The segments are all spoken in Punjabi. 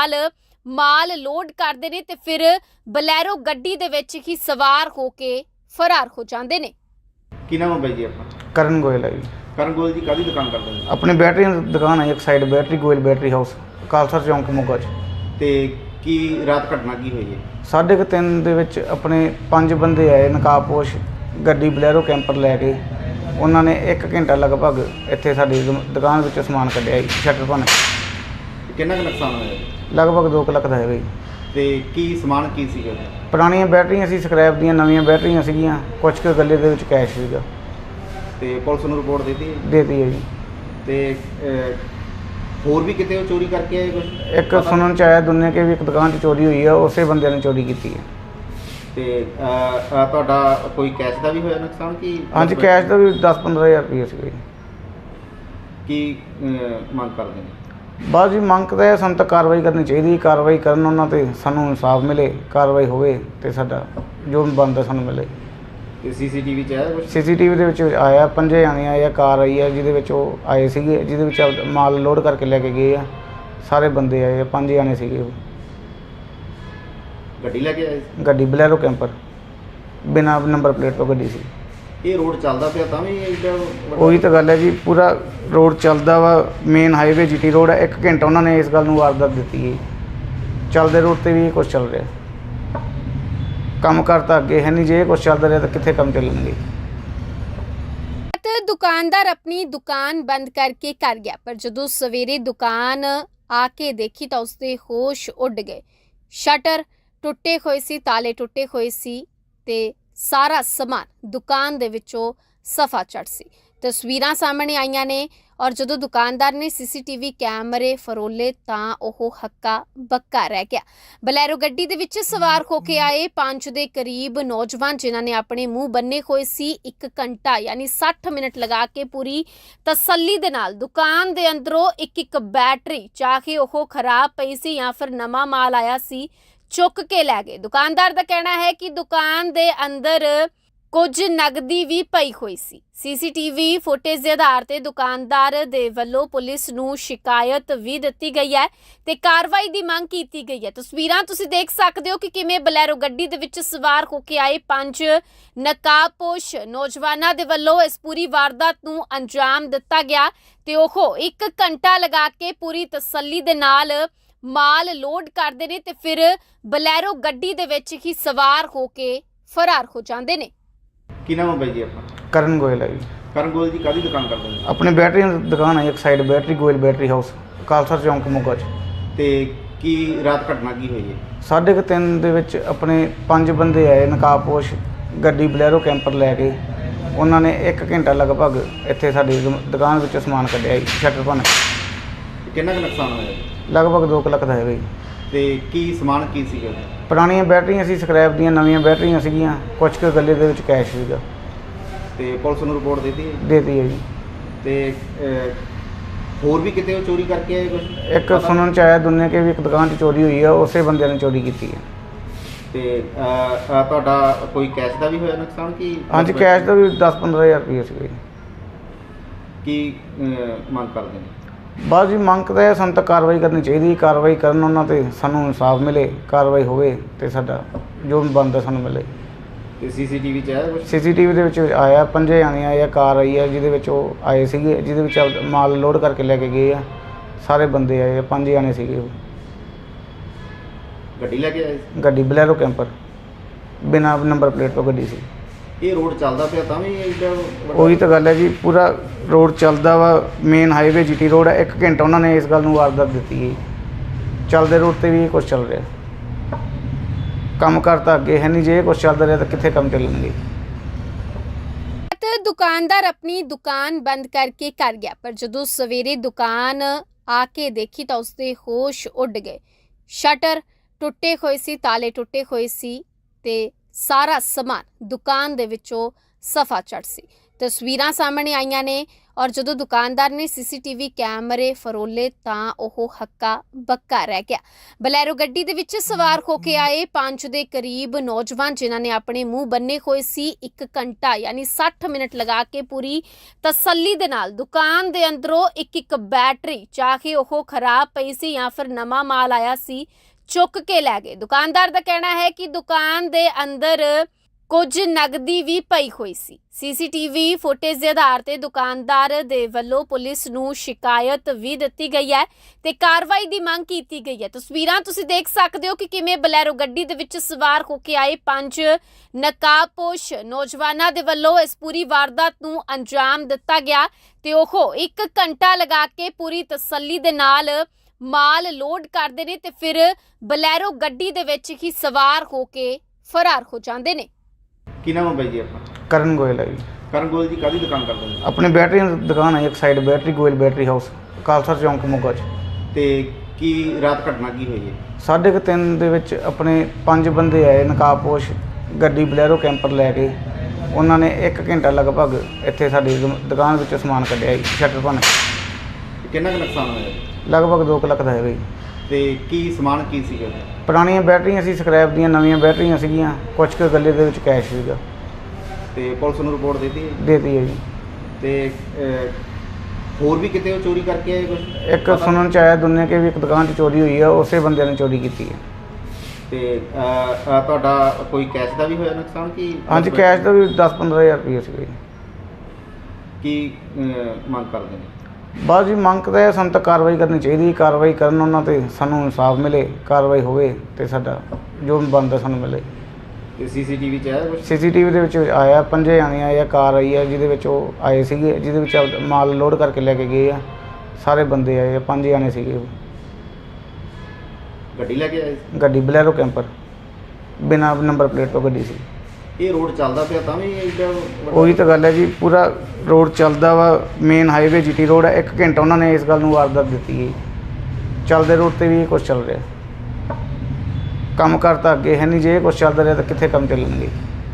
ਨਾਲ ਮਾਲ ਲੋਡ ਕਰਦੇ ਨੇ ਤੇ ਫਿਰ ਬਲੈਰੋ ਗੱਡੀ ਦੇ ਵਿੱਚ ਹੀ ਸਵਾਰ ਹੋ ਕੇ ਫਰਾਰ ਹੋ ਜਾਂਦੇ ਨੇ। ਕੀ ਨਾਮ ਹੈ ਬਾਈ ਜੀ ਆਪਣਾ? ਕਰਨ ਗੋਇਲ ਹੈ ਜੀ। ਕਰਨ ਗੋਇਲ ਜੀ ਕਾਹਦੀ ਦੁਕਾਨ ਕਰਦੇ ਨੇ? ਆਪਣੀ ਬੈਟਰੀ ਦੀ ਦੁਕਾਨ ਹੈ, ਇੱਕ side battery Goyal battery house, Khalsa ਚੌਂਕ ਮੋਗਾ 'ਚ। ਤੇ ਕੀ ਰਾਤ ਘਟਨਾ ਕੀ ਹੋਈ ਹੈ? 3:30 ਦੇ ਵਿੱਚ ਆਪਣੇ 5 ਬੰਦੇ ਆਏ ਨਕਾਬਪੋਸ਼ ਗੱਡੀ ਬਲੈਰੋ ਕੈਂਪਰ ਲੈ ਕੇ। ਉਹਨਾਂ ਨੇ 1 ਘੰਟਾ ਲਗਭਗ ਇੱਥੇ ਸਾਡੀ ਦੁਕਾਨ ਵਿੱਚੋਂ ਸਮਾਨ ਕੱਢਿਆ ਜੀ, ਸ਼ਟਰ ਭੰਨ ਕੇ। ਕਿੰਨਾ ਕੁ ਨੁਕਸਾਨ ਹੋਇਆ? ਲਗਭਗ 2 ਲੱਖ ਦਾ ਹੈਗਾ ਜੀ। ਤੇ ਕੀ ਸਮਾਨ ਕੀ ਸੀਗਾ? ਪੁਰਾਣੀਆਂ ਬੈਟਰੀਆਂ ਸੀ, ਸਕ੍ਰੈਪ ਦੀਆਂ, ਨਵੀਆਂ ਬੈਟਰੀਆਂ ਸੀਗੀਆਂ, ਕੁਝ ਕੁ ਗੱਲੇ ਦੇ ਵਿੱਚ ਕੈਸ਼ ਸੀਗਾ। ਤੇ ਪੁਲਿਸ ਨੂੰ ਰਿਪੋਰਟ ਦਿੱਤੀ? ਦੇਤੀ ਹੈ ਜੀ। ਤੇ ਹੋਰ ਵੀ ਕਿਤੇ ਉਹ ਚੋਰੀ ਕਰਕੇ ਆਏ ਕੁਝ? ਇੱਕ ਸੁਣਨ 'ਚ ਆਇਆ ਦੁਨੀਆ ਕੇ ਵੀ ਇੱਕ ਦੁਕਾਨ 'ਚ ਚੋਰੀ ਹੋਈ ਆ, ਉਸੇ ਬੰਦੇ ਨੇ ਚੋਰੀ ਕੀਤੀ ਹੈ। ਤੇ ਤੁਹਾਡਾ ਕੋਈ ਕੈਸ਼ ਦਾ ਵੀ ਹੋਇਆ ਨੁਕਸਾਨ ਕਿ? ਹਾਂਜੀ, ਕੈਸ਼ ਦਾ ਵੀ 10-15 ਹਜ਼ਾਰ ਰੁਪਏ ਸੀਗਾ ਜੀ। ਕੀ ਮੰਗ ਕਰਦੇ ਨੇ? ਬਸ ਜੀ, ਮੰਗ ਤਾਂ ਇਹ ਸਾਨੂੰ ਤਾਂ ਕਾਰਵਾਈ ਕਰਨੀ ਚਾਹੀਦੀ। ਕਾਰਵਾਈ ਕਰਨ ਉਹਨਾਂ 'ਤੇ, ਸਾਨੂੰ ਇਨਸਾਫ ਮਿਲੇ, ਕਾਰਵਾਈ ਹੋਵੇ ਅਤੇ ਸਾਡਾ ਜੋ ਬਣਦਾ ਸਾਨੂੰ ਮਿਲੇ। ਤੇ ਸੀਸੀਟੀਵੀ 'ਚ ਆਇਆ ਕੁਝ? ਸੀਸੀਟੀਵੀ ਦੇ ਵਿੱਚ ਆਇਆ, 5 ਜਾਣੇ ਆਏ ਆ, ਕਾਰ ਆਈ ਆ ਜਿਹਦੇ ਵਿੱਚ ਉਹ ਆਏ ਸੀਗੇ, ਜਿਹਦੇ ਵਿੱਚ ਮਾਲ ਲੋਡ ਕਰਕੇ ਲੈ ਕੇ ਗਏ ਆ। ਸਾਰੇ ਬੰਦੇ ਆਏ ਆ, 5 ਜਾਣੇ ਸੀਗੇ ਉਹ। ਗੱਡੀ ਲੈ ਕੇ ਆਏ ਸੀ? ਗੱਡੀ ਬਲੈਰੋ ਕੈਂਪਰ, ਬਿਨਾਂ ਨੰਬਰ ਪਲੇਟ ਤੋਂ ਗੱਡੀ ਸੀ। ਇਹ ਰੋਡ ਚੱਲਦਾ ਪਿਆ ਤਾਂ ਵੀ ਇੱਦਾਂ? ਉਹੀ ਤਾਂ ਗੱਲ ਹੈ ਜੀ, ਪੂਰਾ ਰੋਡ ਚੱਲਦਾ ਵਾ, ਮੇਨ ਹਾਈਵੇ GT ਰੋਡ ਹੈ। 1 ਘੰਟਾ ਉਹਨਾਂ ਨੇ ਇਸ ਗੱਲ ਨੂੰ ਵਾਰਦਾਤ ਦਿੱਤੀ ਹੈ। ਚੱਲਦੇ ਰੋਡ 'ਤੇ ਵੀ ਇਹ ਕੁਛ ਚੱਲ ਰਿਹਾ। ਕੰਮ ਕਰਤਾ ਅੱਗੇ ਹੈ ਨਹੀਂ, ਜੇ ਇਹ ਕੁਛ ਚੱਲਦਾ ਰਿਹਾ ਤਾਂ ਕਿੱਥੇ ਕੰਮ ਚੱਲਣਗੇ। ਦੁਕਾਨਦਾਰ ਆਪਣੀ ਦੁਕਾਨ ਬੰਦ ਕਰਕੇ ਕਰ ਗਿਆ, ਪਰ ਜਦੋਂ ਸਵੇਰੇ ਦੁਕਾਨ ਆ ਕੇ ਦੇਖੀ ਤਾਂ ਉਸਦੇ ਹੋਸ਼ ਉੱਡ ਗਏ। ਸ਼ਟਰ ਟੁੱਟੇ ਹੋਏ ਸੀ, ਤਾਲੇ ਟੁੱਟੇ ਹੋਏ ਸੀ ਤੇ ਸਾਰਾ ਸਮਾਨ ਦੁਕਾਨ ਦੇ ਵਿੱਚੋਂ ਸਫਾ ਚੜ ਸੀ। ਤਸਵੀਰਾਂ ਸਾਹਮਣੇ ਆਈਆਂ ਨੇ ਔਰ ਜਦੋਂ ਦੁਕਾਨਦਾਰ ਨੇ ਸੀਸੀਟੀਵੀ ਕੈਮਰੇ ਫਰੋਲੇ ਤਾਂ ਉਹ ਹੱਕਾ ਬੱਕਾ ਰਹਿ ਗਿਆ। ਬਲੈਰੋ ਗੱਡੀ ਦੇ ਵਿੱਚ ਸਵਾਰ ਹੋ ਕੇ ਆਏ 5 ਦੇ ਕਰੀਬ ਨੌਜਵਾਨ, ਜਿਨ੍ਹਾਂ ਨੇ ਆਪਣੇ ਮੂੰਹ ਬੰਨੇ ਹੋਏ ਸੀ, 1 ਘੰਟਾ ਯਾਨੀ 60 ਮਿੰਟ ਲਗਾ ਕੇ ਪੂਰੀ ਤਸੱਲੀ ਦੇ ਨਾਲ ਦੁਕਾਨ ਦੇ ਅੰਦਰੋਂ ਇੱਕ ਬੈਟਰੀ, ਚਾਹੇ ਉਹ ਖਰਾਬ ਪਈ ਸੀ ਜਾਂ ਫਿਰ ਨਵਾਂ ਮਾਲ ਆਇਆ ਸੀ, ਚੁੱਕ ਕੇ ਲੈ ਗਏ। ਦੁਕਾਨਦਾਰ ਦਾ ਕਹਿਣਾ ਹੈ ਕਿ ਦੁਕਾਨ ਦੇ ਅੰਦਰ ਕੁਝ ਨਗਦੀ ਵੀ ਪਈ ਹੋਈ ਸੀ। ਸੀਸੀਟੀਵੀ ਫੁਟੇਜ ਦੇ ਆਧਾਰ ਤੇ ਦੁਕਾਨਦਾਰ ਦੇ ਵੱਲੋਂ ਪੁਲਿਸ ਨੂੰ ਸ਼ਿਕਾਇਤ ਵੀ ਦਿੱਤੀ ਗਈ ਹੈ ਤੇ ਕਾਰਵਾਈ ਦੀ ਮੰਗ ਕੀਤੀ ਗਈ ਹੈ। ਤਸਵੀਰਾਂ ਤੁਸੀਂ ਦੇਖ ਸਕਦੇ ਹੋ ਕਿ ਕਿਵੇਂ ਬਲੈਰੋ ਗੱਡੀ ਦੇ ਵਿੱਚ ਸਵਾਰ ਹੋ ਕੇ ਆਏ 5 ਨਕਾਬਪੋਸ਼ ਨੌਜਵਾਨਾਂ ਦੇ ਵੱਲੋਂ ਇਸ ਪੂਰੀ ਵਾਰਦਾਤ ਨੂੰ ਅੰਜਾਮ ਦਿੱਤਾ ਗਿਆ ਤੇ ਉਹ 1 ਘੰਟਾ ਲਗਾ ਕੇ ਪੂਰੀ ਤਸੱਲੀ ਦੇ ਨਾਲ ਮਾਲ ਲੋਡ ਕਰਦੇ ਨੇ ਤੇ ਫਿਰ ਬਲੈਰੋ ਗੱਡੀ ਦੇ ਵਿੱਚ ਹੀ ਸਵਾਰ ਹੋ ਕੇ ਫਰਾਰ ਹੋ ਜਾਂਦੇ ਨੇ। ਕੀ ਨਾਮ ਹੈ ਬਾਈ ਜੀ ਆਪਣਾ? ਕਰਨ ਗੋਇਲ ਹੈ ਜੀ। ਕਰਨ ਗੋਇਲ ਜੀ ਕਾਹਦੀ ਦੁਕਾਨ ਕਰਦੇ ਨੇ? ਆਪਣੀ ਬੈਟਰੀ ਦੀ ਦੁਕਾਨ ਹੈ, ਇੱਕ side battery Goyal battery house, Khalsa ਚੌਂਕ ਮੋਗਾ 'ਚ। ਤੇ ਕੀ ਰਾਤ ਘਟਨਾ ਕੀ ਹੋਈ ਹੈ? 3:30 ਦੇ ਵਿੱਚ ਆਪਣੇ 5 ਬੰਦੇ ਆਏ ਨਕਾਬਪੋਸ਼ ਗੱਡੀ ਬਲੈਰੋ ਕੈਂਪਰ ਲੈ ਕੇ। ਉਹਨਾਂ ਨੇ 1 ਘੰਟਾ ਲਗਭਗ ਇੱਥੇ ਸਾਡੀ ਦੁਕਾਨ ਵਿੱਚੋਂ ਸਮਾਨ ਕੱਢਿਆ ਜੀ, ਸ਼ਟਰ ਭੰਨ ਕੇ। ਕਿੰਨਾ ਕੁ ਨੁਕਸਾਨ ਹੋਇਆ? ਲਗਭਗ 2 ਲੱਖ ਦਾ ਹੈਗਾ ਜੀ। ਤੇ ਕੀ ਸਮਾਨ ਕੀ ਸੀਗਾ? ਪੁਰਾਣੀਆਂ ਬੈਟਰੀਆਂ ਸੀ, ਸਕ੍ਰੈਪ ਦੀਆਂ, ਨਵੀਆਂ ਬੈਟਰੀਆਂ ਸੀਗੀਆਂ, ਕੁਝ ਕੁ ਗੱਲੇ ਦੇ ਵਿੱਚ ਕੈਸ਼ ਸੀਗਾ। ਤੇ ਪੁਲਿਸ ਨੂੰ ਰਿਪੋਰਟ ਦਿੱਤੀ? ਦੇਤੀ ਹੈ ਜੀ। ਤੇ ਹੋਰ ਵੀ ਕਿਤੇ ਉਹ ਚੋਰੀ ਕਰਕੇ ਆਏ ਕੁਝ? ਇੱਕ ਸੁਣਨ 'ਚ ਆਇਆ ਦੁਨੀਆ ਕੇ ਵੀ ਇੱਕ ਦੁਕਾਨ 'ਚ ਚੋਰੀ ਹੋਈ ਆ, ਉਸੇ ਬੰਦੇ ਨੇ ਚੋਰੀ ਕੀਤੀ ਹੈ। ਤੇ ਤੁਹਾਡਾ ਕੋਈ ਕੈਸ਼ ਦਾ ਵੀ ਹੋਇਆ ਨੁਕਸਾਨ ਕਿ? ਹਾਂਜੀ, ਕੈਸ਼ ਦਾ ਵੀ 10-15 ਹਜ਼ਾਰ ਰੁਪਏ ਸੀਗਾ ਜੀ। ਕੀ ਮੰਗ ਕਰਦੇ ਨੇ? ਬਸ ਜੀ, ਮੰਗ ਤਾਂ ਇਹ ਸਾਨੂੰ ਤਾਂ ਕਾਰਵਾਈ ਕਰਨੀ ਚਾਹੀਦੀ। ਕਾਰਵਾਈ ਕਰਨ ਉਹਨਾਂ 'ਤੇ, ਸਾਨੂੰ ਇਨਸਾਫ ਮਿਲੇ, ਕਾਰਵਾਈ ਹੋਵੇ ਅਤੇ ਸਾਡਾ ਜੋ ਬਣਦਾ ਸਾਨੂੰ ਮਿਲੇ। ਤੇ ਸੀਸੀਟੀਵੀ 'ਚ ਆਇਆ ਕੁਝ? ਸੀਸੀਟੀਵੀ ਦੇ ਵਿੱਚ ਆਇਆ, 5 ਜਾਣੇ ਆਏ ਆ, ਕਾਰ ਆਈ ਆ ਜਿਹਦੇ ਵਿੱਚ ਉਹ ਆਏ ਸੀਗੇ, ਜਿਹਦੇ ਵਿੱਚ ਮਾਲ ਲੋਡ ਕਰਕੇ ਲੈ ਕੇ ਗਏ ਆ। ਸਾਰੇ ਬੰਦੇ ਆਏ ਆ, 5 ਜਾਣੇ ਸੀਗੇ ਉਹ। ਗੱਡੀ ਲੈ ਕੇ ਆਏ ਸੀ? ਗੱਡੀ ਬਲੈਰੋ ਕੈਂਪਰ, ਬਿਨਾਂ ਨੰਬਰ ਪਲੇਟ ਤੋਂ ਗੱਡੀ ਸੀ। ਇਹ ਰੋਡ ਚੱਲਦਾ ਪਿਆ ਤਾਂ ਵੀ ਇੱਦਾਂ? ਉਹੀ ਤਾਂ ਗੱਲ ਹੈ ਜੀ, ਪੂਰਾ ਰੋਡ ਚੱਲਦਾ ਵਾ, ਮੇਨ ਹਾਈਵੇ GT ਰੋਡ ਹੈ। 1 ਘੰਟਾ ਉਹਨਾਂ ਨੇ ਇਸ ਗੱਲ ਨੂੰ ਵਾਰਦਾਤ ਦਿੱਤੀ ਹੈ। ਚੱਲਦੇ ਰੋਡ 'ਤੇ ਵੀ ਇਹ ਕੁਛ ਚੱਲ ਰਿਹਾ। ਕੰਮ ਕਰਤਾ ਅੱਗੇ ਹੈ ਨਹੀਂ, ਜੇ ਇਹ ਕੁਛ ਚੱਲਦਾ ਰਿਹਾ ਤਾਂ ਕਿੱਥੇ ਕੰਮ ਚੱਲਣਗੇ। ਦੁਕਾਨਦਾਰ ਆਪਣੀ ਦੁਕਾਨ ਬੰਦ ਕਰਕੇ ਕਰ ਗਿਆ, ਪਰ ਜਦੋਂ ਸਵੇਰੇ ਦੁਕਾਨ ਆ ਕੇ ਦੇਖੀ ਤਾਂ ਉਸਦੇ ਹੋਸ਼ ਉੱਡ ਗਏ। ਸ਼ਟਰ ਟੁੱਟੇ ਹੋਏ ਸੀ, ਤਾਲੇ ਟੁੱਟੇ ਹੋਏ ਸੀ ਤੇ ਸਾਰਾ ਸਮਾਨ ਦੁਕਾਨ ਦੇ ਵਿੱਚੋਂ ਸਫਾ ਚੜ ਸੀ। ਤਸਵੀਰਾਂ ਸਾਹਮਣੇ ਆਈਆਂ ਨੇ ਔਰ ਜਦੋਂ ਦੁਕਾਨਦਾਰ ਨੇ ਸੀਸੀਟੀਵੀ ਕੈਮਰੇ ਫਰੋਲੇ ਤਾਂ ਉਹ ਹੱਕਾ ਬੱਕਾ ਰਹਿ ਗਿਆ। ਬਲੈਰੋ ਗੱਡੀ ਦੇ ਵਿੱਚ ਸਵਾਰ ਹੋ ਕੇ ਆਏ 5 ਦੇ ਕਰੀਬ ਨੌਜਵਾਨ ਜਿਨ੍ਹਾਂ ਨੇ ਆਪਣੇ ਮੂੰਹ ਬੰਨੇ ਹੋਏ ਸੀ 1 ਘੰਟਾ ਯਾਨੀ 60 ਮਿੰਟ ਲਗਾ ਕੇ ਪੂਰੀ ਤਸੱਲੀ ਦੇ ਨਾਲ ਦੁਕਾਨ ਦੇ ਅੰਦਰੋਂ ਇੱਕ ਬੈਟਰੀ ਚਾਹੇ ਉਹ ਖਰਾਬ ਪਈ ਸੀ ਜਾਂ ਫਿਰ ਨਵਾਂ ਮਾਲ ਆਇਆ ਸੀ ਚੁੱਕ ਕੇ ਲੈ ਗਏ। ਦੁਕਾਨਦਾਰ ਦਾ ਕਹਿਣਾ ਹੈ ਕਿ ਦੁਕਾਨ ਦੇ ਅੰਦਰ ਕੁਝ ਨਗਦੀ ਵੀ ਪਈ ਹੋਈ ਸੀ। ਸੀਸੀਟੀਵੀ ਫੁਟੇਜ ਦੇ ਆਧਾਰ ਤੇ ਦੁਕਾਨਦਾਰ ਦੇ ਵੱਲੋਂ ਪੁਲਿਸ ਨੂੰ ਸ਼ਿਕਾਇਤ ਵੀ ਦਿੱਤੀ ਗਈ ਹੈ ਤੇ ਕਾਰਵਾਈ ਦੀ ਮੰਗ ਕੀਤੀ ਗਈ ਹੈ। ਤਸਵੀਰਾਂ ਤੁਸੀਂ ਦੇਖ ਸਕਦੇ ਹੋ ਕਿ ਕਿਵੇਂ ਬਲੈਰੋ ਗੱਡੀ ਦੇ ਵਿੱਚ ਸਵਾਰ ਹੋ ਕੇ ਆਏ 5 ਨਕਾਬਪੋਸ਼ ਨੌਜਵਾਨਾਂ ਦੇ ਵੱਲੋਂ ਇਸ ਪੂਰੀ ਵਾਰਦਾਤ ਨੂੰ ਅੰਜਾਮ ਦਿੱਤਾ ਗਿਆ ਤੇ ਉਹ 1 ਘੰਟਾ ਲਗਾ ਕੇ ਪੂਰੀ ਤਸੱਲੀ ਦੇ ਨਾਲ ਮਾਲ ਲੋਡ ਕਰਦੇ ਨੇ ਤੇ ਫਿਰ ਬਲੈਰੋ ਗੱਡੀ ਦੇ ਵਿੱਚ ਹੀ ਸਵਾਰ ਹੋ ਕੇ ਫਰਾਰ ਹੋ ਜਾਂਦੇ ਨੇ। ਕੀ ਨਾਮ ਹੈ ਬਾਈ ਜੀ ਆਪਣਾ? ਕਰਨ ਗੋਇਲ ਹੈ ਜੀ। ਕਰਨ ਗੋਲ ਜੀ ਕਾਹਦੀ ਦੁਕਾਨ ਕਰਦੇ ਨੇ? ਆਪਣੀ ਬੈਟਰੀ ਦੀ ਦੁਕਾਨ ਹੈ ਇੱਕ side battery Goyal battery house Khalsa ਚੌਂਕ ਮੋਗਾ 'ਚ। ਤੇ ਕੀ ਰਾਤ ਘਟਨਾ ਕੀ ਹੋਈ ਹੈ? 3:30 ਦੇ ਵਿੱਚ ਆਪਣੇ 5 ਬੰਦੇ ਆਏ ਨਕਾਬਪੋਸ਼ ਗੱਡੀ ਬਲੈਰੋ ਕੈਂਪਰ ਲੈ ਕੇ। ਉਹਨਾਂ ਨੇ 1 ਘੰਟਾ ਲਗਭਗ ਇੱਥੇ ਸਾਡੀ ਦੁਕਾਨ ਵਿੱਚੋਂ ਸਮਾਨ ਕੱਢਿਆ ਜੀ, ਸ਼ਟਰ ਭੰਨ ਕੇ। ਕਿੰਨਾ ਕੁ ਨੁਕਸਾਨ ਹੋਇਆ? ਲਗਭਗ 2 ਲੱਖ ਦਾ ਹੈਗਾ ਜੀ। ਤੇ ਕੀ ਸਮਾਨ ਕੀ ਸੀਗਾ? ਪੁਰਾਣੀਆਂ ਬੈਟਰੀਆਂ ਸੀ, ਸਕ੍ਰੈਪ ਦੀਆਂ, ਨਵੀਆਂ ਬੈਟਰੀਆਂ ਸੀਗੀਆਂ, ਕੁਝ ਕੁ ਗੱਲੇ ਦੇ ਵਿੱਚ ਕੈਸ਼ ਸੀਗਾ। ਤੇ ਪੁਲਿਸ ਨੂੰ ਰਿਪੋਰਟ ਦਿੱਤੀ ਹੈ? ਦੇਤੀ ਹੈ ਜੀ। ਤੇ ਹੋਰ ਵੀ ਕਿਤੇ ਉਹ ਚੋਰੀ ਕਰਕੇ ਆਏ ਕੁਝ? ਇੱਕ ਸੁਣਨ ਚ ਆਇਆ ਦੁਨੀਆ ਕੇ ਵੀ ਇੱਕ ਦੁਕਾਨ 'ਚ ਚੋਰੀ ਹੋਈ ਆ, ਉਸੇ ਬੰਦਿਆਂ ਨੇ ਚੋਰੀ ਕੀਤੀ ਹੈ। ਤੇ ਤੁਹਾਡਾ ਕੋਈ ਕੈਸ਼ ਦਾ ਵੀ ਹੋਇਆ ਨੁਕਸਾਨ ਕੀ? ਹਾਂਜੀ, ਕੈਸ਼ ਦਾ ਵੀ 10-15 ਹਜ਼ਾਰ ਰੁਪਏ ਸੀਗਾ ਜੀ। ਕੀ ਮੰਗ ਕਰਦੇ ਨੇ? ਬਸ ਜੀ ਮੰਗ ਤਾਂ ਇਹ ਸਾਨੂੰ ਤਾਂ ਕਾਰਵਾਈ ਕਰਨੀ ਚਾਹੀਦੀ। ਕਾਰਵਾਈ ਕਰਨ ਉਹਨਾਂ 'ਤੇ ਸਾਨੂੰ ਇਨਸਾਫ ਮਿਲੇ, ਕਾਰਵਾਈ ਹੋਵੇ ਤੇ ਸਾਡਾ ਜੋ ਬਣਦਾ ਸਾਨੂੰ ਮਿਲੇ। ਤੇ ਸੀਸੀਟੀਵੀ 'ਚ ਆਇਆ ਕੁਝ? ਸੀਸੀਟੀਵੀ ਦੇ ਵਿੱਚ ਆਇਆ 5 ਜਾਣੇ ਆਏ ਆ, ਕਾਰ ਆਈ ਆ ਜਿਹਦੇ ਵਿੱਚ ਉਹ ਆਏ ਸੀਗੇ, ਜਿਹਦੇ ਵਿੱਚ ਮਾਲ ਲੋਡ ਕਰਕੇ ਲੈ ਕੇ ਗਏ ਆ। ਸਾਰੇ ਬੰਦੇ ਆਏ ਆ, 5 ਜਾਣੇ ਸੀਗੇ ਉਹ। ਗੱਡੀ ਲੈ ਕੇ ਆਏ ਸੀ? ਗੱਡੀ ਬਲੈਰੋ ਕੈਂਪਰ ਬਿਨਾਂ ਨੰਬਰ ਪਲੇਟ ਤੋਂ ਗੱਡੀ ਸੀ। ਇਹ ਰੋਡ ਚੱਲਦਾ ਪਿਆ ਤਾਂ ਵੀ ਇੱਡਾ ਵੱਡਾ? ਉਹੀ ਤਾਂ ਗੱਲ ਹੈ ਜੀ, ਪੂਰਾ ਰੋਡ ਚੱਲਦਾ ਵਾ, ਮੇਨ ਹਾਈਵੇ ਜੀਟੀ ਰੋਡ ਹੈ। 1 ਘੰਟਾ ਉਹਨਾਂ ਨੇ ਇਸ ਗੱਲ ਨੂੰ ਵਾਰਦਾਤ ਦਿੱਤੀ ਹੈ। ਚੱਲਦੇ ਰੋਡ ਤੇ ਵੀ ਇਹ ਕੁਛ ਚੱਲ ਰਿਹਾ। ਕੰਮ ਕਰਤਾ ਅੱਗੇ ਹੈ ਨਹੀਂ, ਜੇ ਇਹ ਕੁਛ ਚੱਲਦਾ ਰਿਹਾ ਤਾਂ ਕਿੱਥੇ ਕੰਮ ਚੱਲਣਗੇ।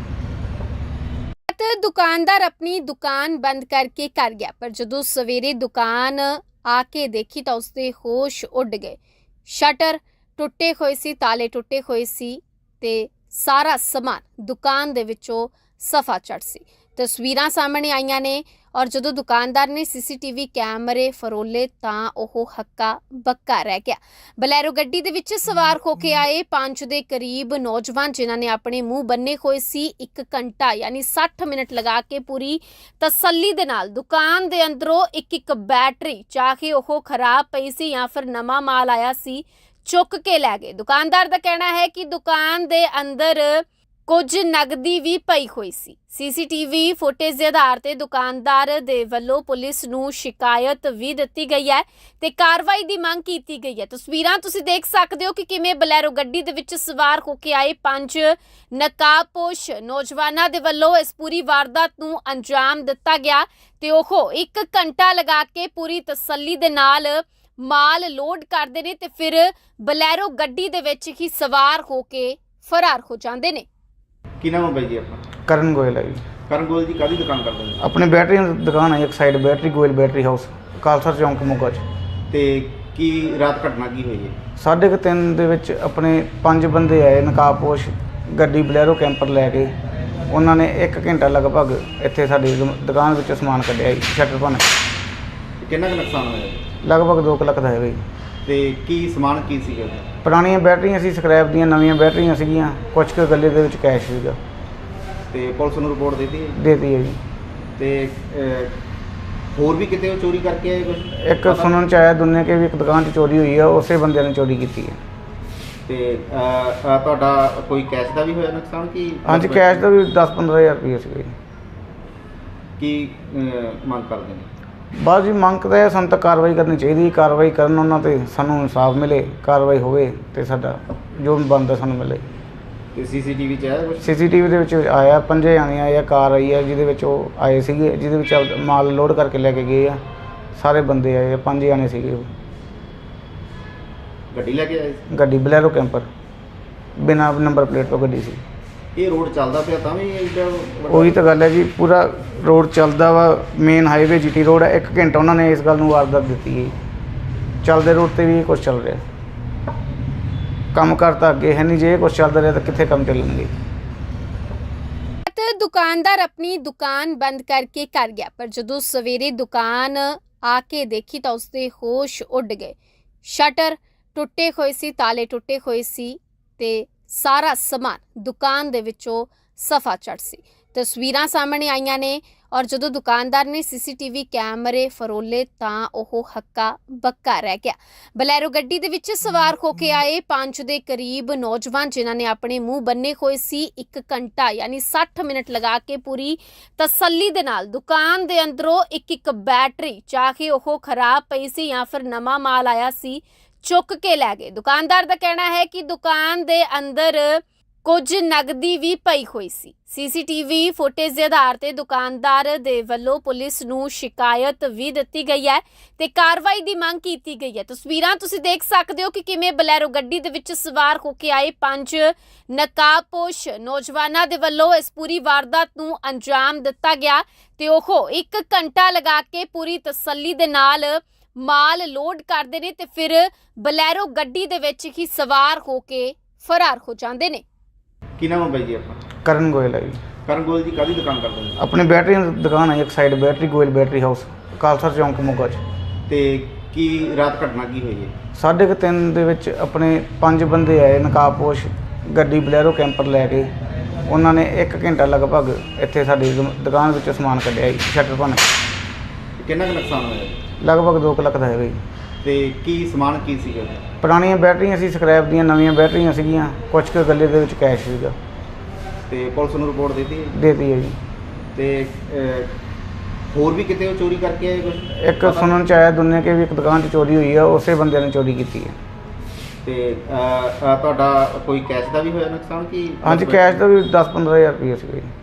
ਦੁਕਾਨਦਾਰ ਆਪਣੀ ਦੁਕਾਨ ਬੰਦ ਕਰਕੇ ਕਰ ਗਿਆ, ਪਰ ਜਦੋਂ ਸਵੇਰੇ ਦੁਕਾਨ ਆ ਕੇ ਦੇਖੀ ਤਾਂ ਉਸਦੇ ਹੋਸ਼ ਉੱਡ ਗਏ। ਸ਼ਟਰ ਟੁੱਟੇ ਹੋਏ ਸੀ, ਤਾਲੇ ਟੁੱਟੇ ਹੋਏ ਸੀ ਤੇ ਸਾਰਾ ਸਮਾਨ ਦੁਕਾਨ ਦੇ ਵਿੱਚੋਂ ਸਫਾ ਚੜ ਸੀ। ਤਸਵੀਰਾਂ ਸਾਹਮਣੇ ਆਈਆਂ ਨੇ ਔਰ ਜਦੋਂ ਦੁਕਾਨਦਾਰ ਨੇ ਸੀਸੀਟੀਵੀ ਕੈਮਰੇ ਫਰੋਲੇ ਤਾਂ ਉਹ ਹੱਕਾ ਬੱਕਾ ਰਹਿ ਗਿਆ। ਬਲੈਰੋ ਗੱਡੀ ਦੇ ਵਿੱਚ ਸਵਾਰ ਹੋ ਕੇ ਆਏ 5 ਦੇ ਕਰੀਬ ਨੌਜਵਾਨ ਜਿਨ੍ਹਾਂ ਨੇ ਆਪਣੇ ਮੂੰਹ ਬੰਨੇ ਹੋਏ ਸੀ 1 ਘੰਟਾ ਯਾਨੀ 60 ਮਿੰਟ ਲਗਾ ਕੇ ਪੂਰੀ ਤਸੱਲੀ ਦੇ ਨਾਲ ਦੁਕਾਨ ਦੇ ਅੰਦਰੋਂ ਇੱਕ ਬੈਟਰੀ ਚਾਹੇ ਉਹ ਖਰਾਬ ਪਈ ਸੀ ਜਾਂ ਫਿਰ ਨਵਾਂ ਮਾਲ ਆਇਆ ਸੀ ਚੁੱਕ ਕੇ ਲੈ ਗਏ। ਦੁਕਾਨਦਾਰ ਦਾ ਕਹਿਣਾ ਹੈ ਕਿ ਦੁਕਾਨ ਦੇ ਅੰਦਰ ਕੁਝ ਨਗਦੀ ਵੀ ਪਈ ਹੋਈ ਸੀ। ਸੀਸੀਟੀਵੀ ਫੁਟੇਜ ਦੇ ਆਧਾਰ ਤੇ ਦੁਕਾਨਦਾਰ ਦੇ ਵੱਲੋਂ ਪੁਲਿਸ ਨੂੰ ਸ਼ਿਕਾਇਤ ਵੀ ਦਿੱਤੀ ਗਈ ਹੈ ਤੇ ਕਾਰਵਾਈ ਦੀ ਮੰਗ ਕੀਤੀ ਗਈ ਹੈ। ਤਸਵੀਰਾਂ ਤੁਸੀਂ ਦੇਖ ਸਕਦੇ ਹੋ ਕਿ ਕਿਵੇਂ ਬਲੈਰੋ ਗੱਡੀ ਦੇ ਵਿੱਚ ਸਵਾਰ ਹੋ ਕੇ ਆਏ 5 ਨਕਾਬਪੋਸ਼ ਨੌਜਵਾਨਾਂ ਦੇ ਵੱਲੋਂ ਇਸ ਪੂਰੀ ਵਾਰਦਾਤ ਨੂੰ ਅੰਜਾਮ ਦਿੱਤਾ ਗਿਆ ਤੇ ਉਹ 1 ਘੰਟਾ ਲਗਾ ਕੇ ਪੂਰੀ ਤਸੱਲੀ ਦੇ ਨਾਲ ਮਾਲ ਲੋਡ ਕਰਦੇ ਨੇ ਤੇ ਫਿਰ ਬਲੈਰੋ ਗੱਡੀ ਦੇ ਵਿੱਚ ਹੀ ਸਵਾਰ ਹੋ ਕੇ ਫਰਾਰ ਹੋ ਜਾਂਦੇ ਨੇ। ਕੀ ਨਾਮ ਹੈ ਬਾਈ ਜੀ ਆਪਣਾ? ਕਰਨ ਗੋਇਲ ਹੈ ਜੀ। ਕਰਨ ਗੋਲ ਜੀ ਕਾਹਦੀ ਦੁਕਾਨ ਕਰਦੇ ਨੇ? ਆਪਣੀ ਬੈਟਰੀ ਦੀ ਦੁਕਾਨ ਹੈ ਇੱਕ side battery Goyal battery house Khalsa ਚੌਂਕ ਮੋਗਾ 'ਚ। ਤੇ ਕੀ ਰਾਤ ਘਟਨਾ ਕੀ ਹੋਈ ਹੈ? 3:30 ਦੇ ਵਿੱਚ ਆਪਣੇ 5 ਬੰਦੇ ਆਏ ਨਕਾਬਪੋਸ਼ ਗੱਡੀ ਬਲੈਰੋ ਕੈਂਪਰ ਲੈ ਕੇ। ਉਹਨਾਂ ਨੇ 1 ਘੰਟਾ ਲਗਭਗ ਇੱਥੇ ਸਾਡੀ ਦੁਕਾਨ ਵਿੱਚੋਂ ਸਮਾਨ ਕੱਢਿਆ ਜੀ, ਸ਼ਟਰ ਭੰਨ ਕੇ। ਕਿੰਨਾ ਕੁ ਨੁਕਸਾਨ ਹੋਇਆ? ਲਗਭਗ 2 ਲੱਖ ਦਾ ਹੈਗਾ ਜੀ। ਤੇ ਕੀ ਸਮਾਨ ਕੀ ਸੀਗਾ? ਪੁਰਾਣੀਆਂ ਬੈਟਰੀਆਂ ਸੀ, ਸਕ੍ਰੈਪ ਦੀਆਂ, ਨਵੀਆਂ ਬੈਟਰੀਆਂ ਸੀਗੀਆਂ, ਕੁਝ ਕੁ ਗੱਲੇ ਦੇ ਵਿੱਚ ਕੈਸ਼ ਸੀਗਾ। ਤੇ ਪੁਲਿਸ ਨੂੰ ਰਿਪੋਰਟ ਦਿੱਤੀ ਹੈ? ਦੇਤੀ ਹੈ ਜੀ। ਤੇ ਹੋਰ ਵੀ ਕਿਤੇ ਉਹ ਚੋਰੀ ਕਰਕੇ ਆਏ ਕੁਝ? ਇੱਕ ਸੁਣਨ ਚ ਆਇਆ ਦੁਨੀਆ ਕੇ ਵੀ ਇੱਕ ਦੁਕਾਨ 'ਚ ਚੋਰੀ ਹੋਈ ਆ, ਉਸੇ ਬੰਦਿਆਂ ਨੇ ਚੋਰੀ ਕੀਤੀ ਹੈ। ਤੇ ਤੁਹਾਡਾ ਕੋਈ ਕੈਸ਼ ਦਾ ਵੀ ਹੋਇਆ ਨੁਕਸਾਨ ਕੀ? ਹਾਂਜੀ, ਕੈਸ਼ ਦਾ ਵੀ 10-15 ਹਜ਼ਾਰ ਰੁਪਏ ਸੀਗਾ ਜੀ। ਕੀ ਮੰਗ ਕਰਦੇ ਨੇ? ਬਸ ਜੀ ਮੰਗ ਤਾਂ ਇਹ ਸਾਨੂੰ ਤਾਂ ਕਾਰਵਾਈ ਕਰਨੀ ਚਾਹੀਦੀ। ਕਾਰਵਾਈ ਕਰਨ ਉਹਨਾਂ 'ਤੇ ਸਾਨੂੰ ਇਨਸਾਫ ਮਿਲੇ, ਕਾਰਵਾਈ ਹੋਵੇ ਤੇ ਸਾਡਾ ਜੋ ਬਣਦਾ ਸਾਨੂੰ ਮਿਲੇ। ਤੇ ਸੀਸੀਟੀਵੀ 'ਚ ਆਇਆ ਕੁਝ? ਸੀਸੀਟੀਵੀ ਦੇ ਵਿੱਚ ਆਇਆ 5 ਜਾਣੇ ਆਏ ਆ, ਕਾਰ ਆਈ ਆ ਜਿਹਦੇ ਵਿੱਚ ਉਹ ਆਏ ਸੀਗੇ, ਜਿਹਦੇ ਵਿੱਚ ਮਾਲ ਲੋਡ ਕਰਕੇ ਲੈ ਕੇ ਗਏ ਆ। ਸਾਰੇ ਬੰਦੇ ਆਏ ਆ, 5 ਜਾਣੇ ਸੀਗੇ ਉਹ। ਗੱਡੀ ਲੈ ਕੇ ਆਏ ਸੀ? ਗੱਡੀ ਬਲੈਰੋ ਕੈਂਪਰ ਬਿਨਾਂ ਨੰਬਰ ਪਲੇਟ ਤੋਂ ਗੱਡੀ ਸੀ। ਇਹ ਰੋਡ ਚੱਲਦਾ ਪਿਆ ਤਾਂ ਵੀ ਇੱਡਾ ਵੱਡਾ- ਉਹੀ ਤਾਂ ਗੱਲ ਹੈ ਜੀ, ਪੂਰਾ ਰੋਡ ਚੱਲਦਾ ਵਾ, ਮੇਨ ਹਾਈਵੇ ਜੀਟੀ ਰੋਡ ਹੈ। 1 ਘੰਟਾ ਉਹਨਾਂ ਨੇ ਇਸ ਗੱਲ ਨੂੰ ਵਾਰਦਾਤ ਦਿੱਤੀ ਹੈ। ਚੱਲਦੇ ਰੋਡ ਤੇ ਵੀ ਇਹ ਕੁਛ ਚੱਲ ਰਿਹਾ। ਕੰਮ ਕਾਰ ਤਾਂ ਅੱਗੇ ਹੈ ਨਹੀਂ, ਜੇ ਇਹ ਕੁਛ ਚੱਲਦਾ ਰਿਹਾ ਤਾਂ ਕਿੱਥੇ ਕੰਮ ਚੱਲਣਗੇ। ਤੇ ਦੁਕਾਨਦਾਰ ਆਪਣੀ ਦੁਕਾਨ ਬੰਦ ਕਰਕੇ ਕਰ ਗਿਆ, ਪਰ ਜਦੋਂ ਸਵੇਰੇ ਦੁਕਾਨ ਆ ਕੇ ਦੇਖੀ ਤਾਂ ਉਸਦੇ ਹੋਸ਼ ਉੱਡ ਗਏ। ਸ਼ਟਰ ਟੁੱਟੇ ਹੋਏ ਸੀ, ਤਾਲੇ ਟੁੱਟੇ ਹੋਏ ਸੀ ਤੇ ਸਾਰਾ ਸਮਾਨ ਦੁਕਾਨ ਦੇ ਵਿੱਚੋਂ ਸਫਾ ਚੜ ਸੀ। ਤਸਵੀਰਾਂ ਸਾਹਮਣੇ ਆਈਆਂ ਨੇ ਔਰ ਜਦੋਂ ਦੁਕਾਨਦਾਰ ਨੇ ਸੀਸੀਟੀਵੀ ਕੈਮਰੇ ਫਰੋਲੇ ਤਾਂ ਉਹ ਹੱਕਾ ਬੱਕਾ ਰਹਿ ਗਿਆ। ਬਲੈਰੋ ਗੱਡੀ ਦੇ ਵਿੱਚ ਸਵਾਰ ਹੋ ਕੇ ਆਏ 5 ਦੇ ਕਰੀਬ ਨੌਜਵਾਨ, ਜਿਨ੍ਹਾਂ ਨੇ ਆਪਣੇ ਮੂੰਹ ਬੰਨੇ ਹੋਏ ਸੀ, 1 ਘੰਟਾ ਯਾਨੀ 60 ਮਿੰਟ ਲਗਾ ਕੇ ਪੂਰੀ ਤਸੱਲੀ ਦੇ ਨਾਲ ਦੁਕਾਨ ਦੇ ਅੰਦਰੋਂ ਇੱਕ ਬੈਟਰੀ, ਚਾਹੇ ਉਹ ਖਰਾਬ ਪਈ ਸੀ ਜਾਂ ਫਿਰ ਨਵਾਂ ਮਾਲ ਆਇਆ ਸੀ, ਚੁੱਕ ਕੇ ਲੈ ਗਏ। ਦੁਕਾਨਦਾਰ ਦਾ ਕਹਿਣਾ ਹੈ ਕਿ ਦੁਕਾਨ ਦੇ ਅੰਦਰ ਕੁਝ ਨਗਦੀ ਵੀ ਪਈ ਹੋਈ ਸੀ। ਸੀਸੀਟੀਵੀ ਫੁਟੇਜ ਦੇ ਆਧਾਰ ਤੇ ਦੁਕਾਨਦਾਰ ਦੇ ਵੱਲੋਂ ਪੁਲਿਸ ਨੂੰ ਸ਼ਿਕਾਇਤ ਵੀ ਦਿੱਤੀ ਗਈ ਹੈ ਤੇ ਕਾਰਵਾਈ ਦੀ ਮੰਗ ਕੀਤੀ ਗਈ ਹੈ। ਤਸਵੀਰਾਂ ਤੁਸੀਂ ਦੇਖ ਸਕਦੇ ਹੋ ਕਿ ਕਿਵੇਂ ਬਲੈਰੋ ਗੱਡੀ ਦੇ ਵਿੱਚ ਸਵਾਰ ਹੋ ਕੇ ਆਏ 5 ਨਕਾਬਪੋਸ਼ ਨੌਜਵਾਨਾਂ ਦੇ ਵੱਲੋਂ ਇਸ ਪੂਰੀ ਵਾਰਦਾਤ ਨੂੰ ਅੰਜਾਮ ਦਿੱਤਾ ਗਿਆ ਤੇ ਉਹ 1 ਘੰਟਾ ਲਗਾ ਕੇ ਪੂਰੀ ਤਸੱਲੀ ਦੇ ਨਾਲ ਮਾਲ ਲੋਡ ਕਰਦੇ ਨੇ ਤੇ ਫਿਰ ਬਲੈਰੋ ਗੱਡੀ ਦੇ ਵਿੱਚ ਹੀ ਸਵਾਰ ਹੋ ਕੇ ਫਰਾਰ ਹੋ ਜਾਂਦੇ ਨੇ। ਕੀ ਨਾਮ ਹੈ ਬਾਈ ਜੀ ਆਪਣਾ? ਕਰਨ ਗੋਇਲ ਹੈ ਜੀ। ਕਰਨ ਗੋਲ ਜੀ ਕਾਹਦੀ ਦੁਕਾਨ ਕਰਦੇ ਨੇ? ਆਪਣੀ ਬੈਟਰੀ ਦੀ ਦੁਕਾਨ ਹੈ, ਇੱਕ side battery Goyal battery house, Khalsa ਚੌਂਕ ਮੋਗਾ 'ਚ। ਤੇ ਕੀ ਰਾਤ ਘਟਨਾ ਕੀ ਹੋਈ ਹੈ? 3:30 ਦੇ ਵਿੱਚ ਆਪਣੇ 5 ਬੰਦੇ ਆਏ ਨਕਾਬਪੋਸ਼, ਗੱਡੀ ਬਲੈਰੋ ਕੈਂਪਰ ਲੈ ਕੇ। ਉਹਨਾਂ ਨੇ 1 ਘੰਟਾ ਲਗਭਗ ਇੱਥੇ ਸਾਡੀ ਦੁਕਾਨ ਵਿੱਚੋਂ ਸਮਾਨ ਕੱਢਿਆ ਜੀ, ਸ਼ਟਰ ਭੰਨ ਕੇ। ਕਿੰਨਾ ਕੁ ਨੁਕਸਾਨ ਹੋਇਆ? ਲਗਭਗ 2 ਲੱਖ ਦਾ ਹੈਗਾ ਜੀ। ਤੇ ਕੀ ਸਮਾਨ ਕੀ ਸੀਗਾ? ਪੁਰਾਣੀਆਂ ਬੈਟਰੀਆਂ ਸੀ, ਸਕ੍ਰੈਪ ਦੀਆਂ, ਨਵੀਆਂ ਬੈਟਰੀਆਂ ਸੀਗੀਆਂ, ਕੁਝ ਕੁ ਗੱਲੇ ਦੇ ਵਿੱਚ ਕੈਸ਼ ਸੀਗਾ। ਤੇ ਪੁਲਿਸ ਨੂੰ ਰਿਪੋਰਟ ਦਿੱਤੀ ਹੈ? ਦੇਤੀ ਹੈ ਜੀ। ਤੇ ਹੋਰ ਵੀ ਕਿਤੇ ਉਹ ਚੋਰੀ ਕਰਕੇ ਆਏ ਕੁਝ? ਇੱਕ ਸੁਣਨ ਚ ਆਇਆ ਦੁਨੀਆ ਕੇ ਵੀ ਇੱਕ ਦੁਕਾਨ 'ਚ ਚੋਰੀ ਹੋਈ ਆ, ਉਸੇ ਬੰਦੇ ਨੇ ਚੋਰੀ ਕੀਤੀ ਹੈ। ਤੇ ਤੁਹਾਡਾ ਕੋਈ ਕੈਸ਼ ਦਾ ਵੀ ਹੋਇਆ ਨੁਕਸਾਨ ਕੀ? ਹਾਂਜੀ, ਕੈਸ਼ ਦਾ ਵੀ 10-15 ਹਜ਼ਾਰ ਰੁਪਏ ਸੀਗਾ ਜੀ।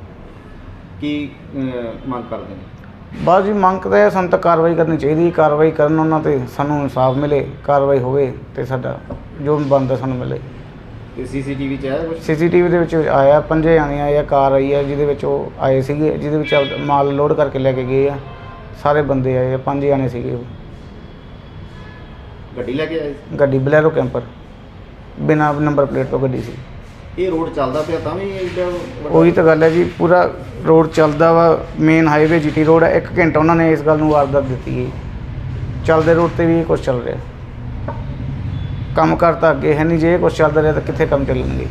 ਕੀ ਮੰਗ ਕਰਦੇ ਨੇ? ਬਸ ਜੀ, ਮੰਗ ਤਾਂ ਇਹ, ਸਾਨੂੰ ਤਾਂ ਕਾਰਵਾਈ ਕਰਨੀ ਚਾਹੀਦੀ। ਕਾਰਵਾਈ ਕਰਨ ਉਹਨਾਂ ਤੇ ਸਾਨੂੰ ਇਨਸਾਫ ਮਿਲੇ, ਕਾਰਵਾਈ ਹੋਵੇ ਤੇ ਸਾਡਾ ਜੋ ਬਣਦਾ ਸਾਨੂੰ ਮਿਲੇ। ਤੇ ਸੀਸੀਟੀਵੀ 'ਚ ਆਇਆ ਕੁਝ? ਸੀਸੀਟੀਵੀ ਦੇ ਵਿੱਚ ਆਇਆ 5 ਜਾਣੇ ਆਏ ਆ, ਕਾਰ ਆਈ ਆ ਜਿਹਦੇ ਵਿੱਚ ਉਹ ਆਏ ਸੀਗੇ, ਜਿਹਦੇ ਵਿੱਚ ਮਾਲ ਲੋਡ ਕਰਕੇ ਲੈ ਕੇ ਗਏ ਆ। ਸਾਰੇ ਬੰਦੇ ਆਏ ਆ, 5 ਜਾਣੇ ਸੀਗੇ ਉਹ। ਗੱਡੀ ਲੈ ਕੇ ਆਏ ਸੀ? ਗੱਡੀ ਬਲੈਰੋ ਕੈਂਪਰ, ਬਿਨਾਂ ਨੰਬਰ ਪਲੇਟ ਤੋਂ ਗੱਡੀ ਸੀ। ਇਹ ਰੋਡ ਚੱਲਦਾ ਪਿਆ ਤਾਂ ਵੀ ਇੱਡਾ ਵੱਡਾ- ਉਹੀ ਤਾਂ ਗੱਲ ਹੈ ਜੀ, ਪੂਰਾ ਰੋਡ ਚੱਲਦਾ ਵਾ, ਮੇਨ ਹਾਈਵੇ ਜੀਟੀ ਰੋਡ ਹੈ। 1 ਘੰਟਾ ਉਹਨਾਂ ਨੇ ਇਸ ਗੱਲ ਨੂੰ ਵਾਰਦਾਤ ਦਿੱਤੀ ਹੈ। ਚੱਲਦੇ ਰੋਡ ਤੇ ਵੀ ਇਹ ਕੁਛ ਚੱਲ ਰਿਹਾ। ਕੰਮ ਕਾਰ ਤਾਂ ਅੱਗੇ ਹੈ ਨਹੀਂ, ਜੇ ਇਹ ਕੁਛ ਚੱਲਦਾ ਰਿਹਾ ਤਾਂ ਕਿੱਥੇ ਕੰਮ ਚੱਲਣਗੇ।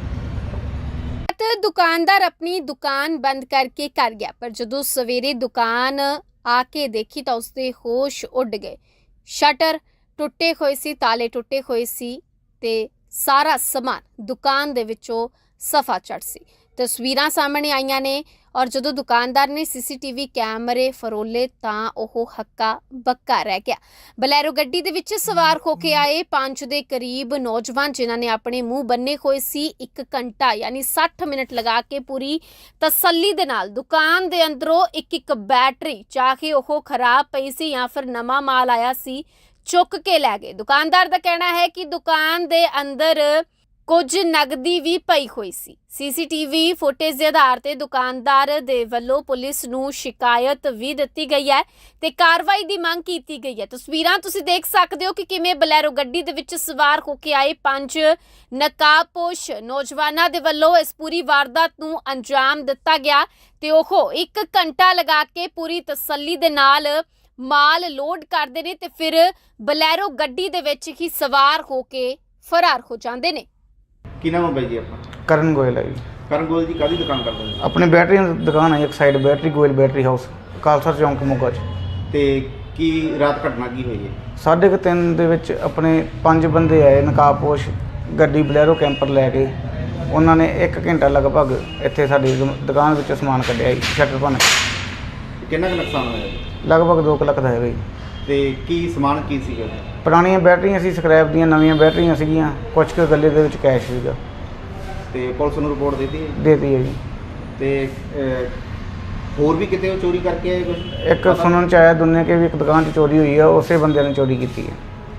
ਤੇ ਦੁਕਾਨਦਾਰ ਆਪਣੀ ਦੁਕਾਨ ਬੰਦ ਕਰਕੇ ਕਰ ਗਿਆ, ਪਰ ਜਦੋਂ ਸਵੇਰੇ ਦੁਕਾਨ ਆ ਕੇ ਦੇਖੀ ਤਾਂ ਉਸਦੇ ਹੋਸ਼ ਉੱਡ ਗਏ। ਸ਼ਟਰ ਟੁੱਟੇ ਹੋਏ ਸੀ, ਤਾਲੇ ਟੁੱਟੇ ਹੋਏ ਸੀ ਤੇ ਸਾਰਾ ਸਮਾਨ ਦੁਕਾਨ ਦੇ ਵਿੱਚੋਂ ਸਫਾ ਚੜ ਸੀ। ਤਸਵੀਰਾਂ ਸਾਹਮਣੇ ਆਈਆਂ ਨੇ ਔਰ ਜਦੋਂ ਦੁਕਾਨਦਾਰ ਨੇ ਸੀਸੀਟੀਵੀ ਕੈਮਰੇ ਫਰੋਲੇ ਤਾਂ ਉਹ ਹੱਕਾ ਬੱਕਾ ਰਹਿ ਗਿਆ। ਬਲੈਰੋ ਗੱਡੀ ਦੇ ਵਿੱਚ ਸਵਾਰ ਹੋ ਕੇ ਆਏ 5 ਦੇ ਕਰੀਬ ਨੌਜਵਾਨ, ਜਿਨ੍ਹਾਂ ਨੇ ਆਪਣੇ ਮੂੰਹ ਬੰਨੇ ਹੋਏ ਸੀ, 1 ਘੰਟਾ ਯਾਨੀ 60 ਮਿੰਟ ਲਗਾ ਕੇ ਪੂਰੀ ਤਸੱਲੀ ਦੇ ਨਾਲ ਦੁਕਾਨ ਦੇ ਅੰਦਰੋਂ ਇੱਕ ਬੈਟਰੀ, ਚਾਹੇ ਉਹ ਖਰਾਬ ਪਈ ਸੀ ਜਾਂ ਫਿਰ ਨਵਾਂ ਮਾਲ ਆਇਆ ਸੀ, ਚੁੱਕ ਕੇ ਲੈ ਗਏ। ਦੁਕਾਨਦਾਰ ਦਾ ਕਹਿਣਾ ਹੈ ਕਿ ਦੁਕਾਨ ਦੇ ਅੰਦਰ ਕੁਝ ਨਗਦੀ ਵੀ ਪਈ ਹੋਈ ਸੀ। ਸੀਸੀਟੀਵੀ ਫੁਟੇਜ ਦੇ ਆਧਾਰ ਤੇ ਦੁਕਾਨਦਾਰ ਦੇ ਵੱਲੋਂ ਪੁਲਿਸ ਨੂੰ ਸ਼ਿਕਾਇਤ ਵੀ ਦਿੱਤੀ ਗਈ ਹੈ ਤੇ ਕਾਰਵਾਈ ਦੀ ਮੰਗ ਕੀਤੀ ਗਈ ਹੈ। ਤਸਵੀਰਾਂ ਤੁਸੀਂ ਦੇਖ ਸਕਦੇ ਹੋ ਕਿ ਕਿਵੇਂ ਬਲੈਰੋ ਗੱਡੀ ਦੇ ਵਿੱਚ ਸਵਾਰ ਹੋ ਕੇ ਆਏ 5 ਨਕਾਬਪੋਸ਼ ਨੌਜਵਾਨਾਂ ਦੇ ਵੱਲੋਂ ਇਸ ਪੂਰੀ ਵਾਰਦਾਤ ਨੂੰ ਅੰਜਾਮ ਦਿੱਤਾ ਗਿਆ ਤੇ ਉਹ 1 ਘੰਟਾ ਲਗਾ ਕੇ ਪੂਰੀ ਤਸੱਲੀ ਦੇ ਨਾਲ ਮਾਲ ਲੋਡ ਕਰਦੇ ਨੇ ਤੇ ਫਿਰ ਬਲੈਰੋ ਗੱਡੀ ਦੇ ਵਿੱਚ ਹੀ ਸਵਾਰ ਹੋ ਕੇ ਫਰਾਰ ਹੋ ਜਾਂਦੇ ਨੇ। ਕੀ ਨਾਮ ਹੈ ਬਾਈ ਜੀ ਆਪਣਾ? ਕਰਨ ਗੋਇਲ ਹੈ ਜੀ। ਕਰਨ ਗੋਲ ਜੀ ਕਾਹਦੀ ਦੁਕਾਨ ਕਰਦੇ ਨੇ? ਆਪਣੀ ਬੈਟਰੀ ਦੀ ਦੁਕਾਨ ਹੈ, ਇੱਕ side battery Goyal battery house, Khalsa ਚੌਂਕ ਮੋਗਾ 'ਚ। ਤੇ ਕੀ ਰਾਤ ਘਟਨਾ ਕੀ ਹੋਈ ਹੈ? 3:30 ਦੇ ਵਿੱਚ ਆਪਣੇ 5 ਬੰਦੇ ਆਏ ਨਕਾਬਪੋਸ਼, ਗੱਡੀ ਬਲੈਰੋ ਕੈਂਪਰ ਲੈ ਕੇ। ਉਹਨਾਂ ਨੇ 1 ਘੰਟਾ ਲਗਭਗ ਇੱਥੇ ਸਾਡੀ ਦੁਕਾਨ ਵਿੱਚੋਂ ਸਮਾਨ ਕੱਢਿਆ ਜੀ, ਸ਼ਟਰ ਭੰਨ ਕੇ। ਕਿੰਨਾ ਕੁ ਨੁਕਸਾਨ ਹੋਇਆ? ਲਗਭਗ 2 ਲੱਖ ਦਾ ਹੈਗਾ ਜੀ। ਤੇ ਕੀ ਸਮਾਨ ਕੀ ਸੀਗਾ? ਪੁਰਾਣੀਆਂ ਬੈਟਰੀਆਂ ਸੀ, ਸਕ੍ਰੈਪ ਦੀਆਂ, ਨਵੀਆਂ ਬੈਟਰੀਆਂ ਸੀਗੀਆਂ, ਕੁਝ ਕੁ ਗੱਲੇ ਦੇ ਵਿੱਚ ਕੈਸ਼ ਸੀਗਾ। ਤੇ ਪੁਲਿਸ ਨੂੰ ਰਿਪੋਰਟ ਦਿੱਤੀ ਹੈ? ਦੇਤੀ ਹੈ ਜੀ। ਤੇ ਹੋਰ ਵੀ ਕਿਤੇ ਉਹ ਚੋਰੀ ਕਰਕੇ ਆਏ ਕੁਝ? ਇੱਕ ਸੁਣਨ ਚ ਆਇਆ ਦੁਨੀਆ ਕੇ ਵੀ ਇੱਕ ਦੁਕਾਨ 'ਚ ਚੋਰੀ ਹੋਈ ਆ, ਉਸੇ ਬੰਦੇ ਨੇ ਚੋਰੀ ਕੀਤੀ ਹੈ।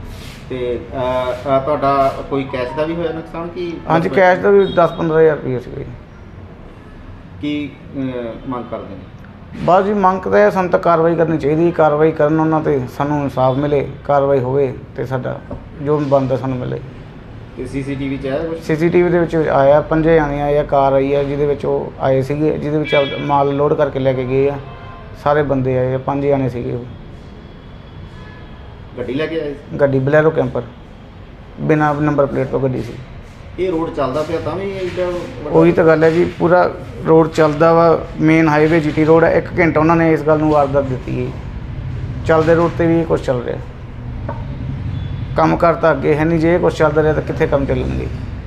ਤੇ ਤੁਹਾਡਾ ਕੋਈ ਕੈਸ਼ ਦਾ ਵੀ ਹੋਇਆ ਨੁਕਸਾਨ ਕਿ ਹਾਂਜੀ ਕੈਸ਼ ਦਾ ਵੀ 10-15 ਹਜ਼ਾਰ ਰੁਪਏ ਸੀਗਾ ਜੀ। ਕੀ ਮੰਗ ਕਰਦੇ ਨੇ? ਬਸ ਜੀ ਮੰਗ ਤਾਂ ਇਹ ਸਾਨੂੰ ਤਾਂ ਕਾਰਵਾਈ ਕਰਨੀ ਚਾਹੀਦੀ, ਕਾਰਵਾਈ ਕਰਨ ਉਹਨਾਂ ਤੇ ਸਾਨੂੰ ਇਨਸਾਫ ਮਿਲੇ, ਕਾਰਵਾਈ ਹੋਵੇ ਤੇ ਸਾਡਾ ਜੋ ਬਣਦਾ ਸਾਨੂੰ ਮਿਲੇ। ਤੇ ਸੀਸੀਟੀਵੀ ਚ ਆਇਆ ਕੁਛ? ਸੀਸੀਟੀਵੀ ਦੇ ਵਿੱਚ ਆਇਆ 5 ਜਾਣੇ ਆਏ ਆ, ਕਾਰ ਆਈ ਆ ਜਿਹਦੇ ਵਿੱਚ ਉਹ ਆਏ ਸੀਗੇ, ਜਿਹਦੇ ਵਿੱਚ ਮਾਲ ਲੋਡ ਕਰਕੇ ਲੈ ਕੇ ਗਏ ਆ। ਸਾਰੇ ਬੰਦੇ ਆਏ ਆ, 5 ਜਾਣੇ ਸੀਗੇ ਉਹ। ਗੱਡੀ ਲੈ ਕੇ ਆਏ ਸੀ? ਗੱਡੀ ਬਲੈਰੋ ਕੈਂਪਰ ਬਿਨਾਂ ਨੰਬਰ ਪਲੇਟ ਤੋਂ ਗੱਡੀ ਸੀ। ਇਹ ਰੋਡ ਚੱਲਦਾ ਪਿਆ ਤਾਂ ਵੀ ਇਹਦਾ ਉਹੀ ਤਾਂ ਗੱਲ ਹੈ ਜੀ, ਪੂਰਾ ਰੋਡ ਚੱਲਦਾ ਵਾ, ਮੇਨ ਹਾਈਵੇ ਜੀਟੀ ਰੋਡ ਹੈ। 1 ਘੰਟਾ ਉਹਨਾਂ ਨੇ ਇਸ ਗੱਲ ਨੂੰ ਵਾਰਦਾਤ ਦਿੱਤੀ ਹੈ। ਚੱਲਦੇ ਰੋਡ ਤੇ ਵੀ ਇਹ ਕੁਛ ਚੱਲ ਰਿਹਾ, ਕੰਮ ਕਾਰ ਤਾਂ ਅੱਗੇ ਹੈ ਨਹੀਂ। ਜੇ ਇਹ ਕੁਛ ਚੱਲਦਾ ਰਿਹਾ ਤਾਂ ਕਿੱਥੇ ਕੰਮ ਚੱਲਣਗੇ।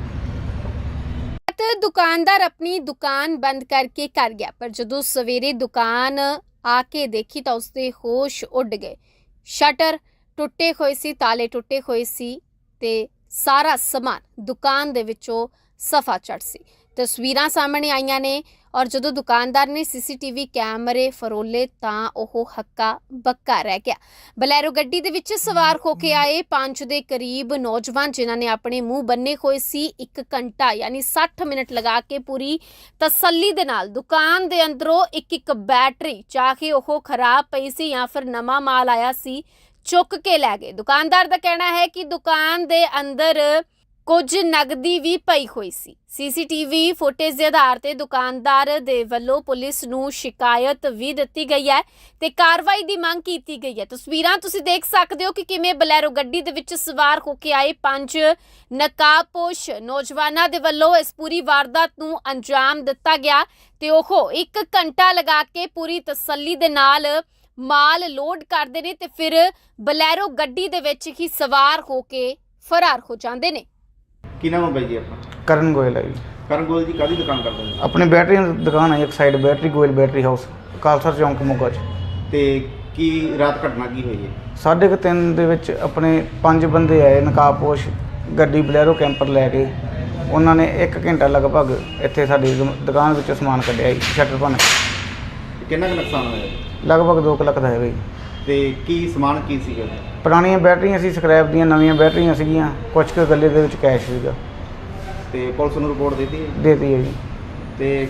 ਦੁਕਾਨਦਾਰ ਆਪਣੀ ਦੁਕਾਨ ਬੰਦ ਕਰਕੇ ਕਰ ਗਿਆ, ਪਰ ਜਦੋਂ ਸਵੇਰੇ ਦੁਕਾਨ ਆ ਕੇ ਦੇਖੀ ਤਾਂ ਉਸਦੇ ਹੋਸ਼ ਉੱਡ ਗਏ। ਸ਼ਟਰ ਟੁੱਟੇ ਹੋਏ ਸੀ, ਤਾਲੇ ਟੁੱਟੇ ਹੋਏ ਸੀ ਤੇ ਸਾਰਾ ਸਮਾਨ ਦੁਕਾਨ ਦੇ ਵਿੱਚੋਂ ਸਫਾ ਚੜ ਸੀ। ਤਸਵੀਰਾਂ ਸਾਹਮਣੇ ਆਈਆਂ ਨੇ ਔਰ ਜਦੋਂ ਦੁਕਾਨਦਾਰ ਨੇ ਸੀਸੀਟੀਵੀ ਕੈਮਰੇ ਫਰੋਲੇ ਤਾਂ ਉਹ ਹੱਕਾ ਬੱਕਾ ਰਹਿ ਗਿਆ। ਬਲੈਰੋ ਗੱਡੀ ਦੇ ਵਿੱਚ ਸਵਾਰ ਹੋ ਕੇ ਆਏ 5 ਦੇ ਕਰੀਬ ਨੌਜਵਾਨ, ਜਿਨ੍ਹਾਂ ਨੇ ਆਪਣੇ ਮੂੰਹ ਬੰਨੇ ਹੋਏ ਸੀ, 1 ਘੰਟਾ ਯਾਨੀ 60 ਮਿੰਟ ਲਗਾ ਕੇ ਪੂਰੀ ਤਸੱਲੀ ਦੇ ਨਾਲ ਦੁਕਾਨ ਦੇ ਅੰਦਰੋਂ ਇੱਕ ਬੈਟਰੀ, ਚਾਹੇ ਉਹ ਖਰਾਬ ਪਈ ਸੀ ਜਾਂ ਫਿਰ ਨਵਾਂ ਮਾਲ ਆਇਆ ਸੀ, ਚੁੱਕ ਕੇ ਲੈ ਗਏ। ਦੁਕਾਨਦਾਰ ਦਾ ਕਹਿਣਾ ਹੈ ਕਿ ਦੁਕਾਨ ਦੇ ਅੰਦਰ ਕੁਝ ਨਗਦੀ ਵੀ ਪਈ ਹੋਈ ਸੀ। ਸੀਸੀਟੀਵੀ ਫੁਟੇਜ ਦੇ ਆਧਾਰ ਤੇ ਦੁਕਾਨਦਾਰ ਦੇ ਵੱਲੋਂ ਪੁਲਿਸ ਨੂੰ ਸ਼ਿਕਾਇਤ ਵੀ ਦਿੱਤੀ ਗਈ ਹੈ ਤੇ ਕਾਰਵਾਈ ਦੀ ਮੰਗ ਕੀਤੀ ਗਈ ਹੈ। ਤਸਵੀਰਾਂ ਤੁਸੀਂ ਦੇਖ ਸਕਦੇ ਹੋ ਕਿ ਕਿਵੇਂ ਬਲੈਰੋ ਗੱਡੀ ਦੇ ਵਿੱਚ ਸਵਾਰ ਹੋ ਕੇ ਆਏ 5 ਨਕਾਬਪੋਸ਼ ਨੌਜਵਾਨਾਂ ਦੇ ਵੱਲੋਂ ਇਸ ਪੂਰੀ ਵਾਰਦਾਤ ਨੂੰ ਅੰਜਾਮ ਦਿੱਤਾ ਗਿਆ ਤੇ ਉਹ 1 ਘੰਟਾ ਲਗਾ ਕੇ ਪੂਰੀ ਤਸੱਲੀ ਦੇ ਨਾਲ ਮਾਲ ਲੋਡ ਕਰਦੇ ਨੇ ਤੇ ਫਿਰ ਬਲੈਰੋ ਗੱਡੀ ਦੇ ਵਿੱਚ ਹੀ ਸਵਾਰ ਹੋ ਕੇ ਫਰਾਰ ਹੋ ਜਾਂਦੇ ਨੇ। ਕੀ ਨਾਮ ਹੈ ਬਾਈ ਜੀ ਆਪਣਾ? ਕਰਨ ਗੋਇਲ ਹੈ ਜੀ। ਕਰਨ ਗੋਲ ਜੀ ਕਾਹਦੀ ਦੁਕਾਨ ਕਰਦੇ ਨੇ? ਆਪਣੀ ਬੈਟਰੀ ਦੀ ਦੁਕਾਨ ਹੈ ਇੱਕ side, battery Goyal battery house, Khalsa ਚੌਂਕ ਮੋਗਾ 'ਚ। ਤੇ ਕੀ ਰਾਤ ਘਟਨਾ ਕੀ ਹੋਈ ਹੈ? 3:30 ਦੇ ਵਿੱਚ ਆਪਣੇ 5 ਬੰਦੇ ਆਏ ਨਕਾਬਪੋਸ਼, ਗੱਡੀ ਬਲੈਰੋ ਕੈਂਪਰ ਲੈ ਕੇ। ਉਹਨਾਂ ਨੇ 1 ਘੰਟਾ ਲਗਭਗ ਇੱਥੇ ਸਾਡੀ ਦੁਕਾਨ ਵਿੱਚੋਂ ਸਮਾਨ ਕੱਢਿਆ ਜੀ, ਸ਼ਟਰ ਭੰਨ। ਕਿੰਨਾ ਕੁ ਨੁਕਸਾਨ ਹੋਇਆ? ਲਗਭਗ 2 ਲੱਖ ਦਾ ਹੈਗਾ ਜੀ। ਤੇ ਕੀ ਸਮਾਨ ਕੀ ਸੀਗਾ? ਪੁਰਾਣੀਆਂ ਬੈਟਰੀਆਂ ਸੀ, ਸਕ੍ਰੈਪ ਦੀਆਂ, ਨਵੀਆਂ ਬੈਟਰੀਆਂ ਸੀਗੀਆਂ, ਕੁਝ ਕੁ ਗੱਲੇ ਦੇ ਵਿੱਚ ਕੈਸ਼ ਸੀਗਾ। ਤੇ ਪੁਲਿਸ ਨੂੰ ਰਿਪੋਰਟ ਦਿੱਤੀ? ਦੇਤੀ ਹੈ ਜੀ। ਤੇ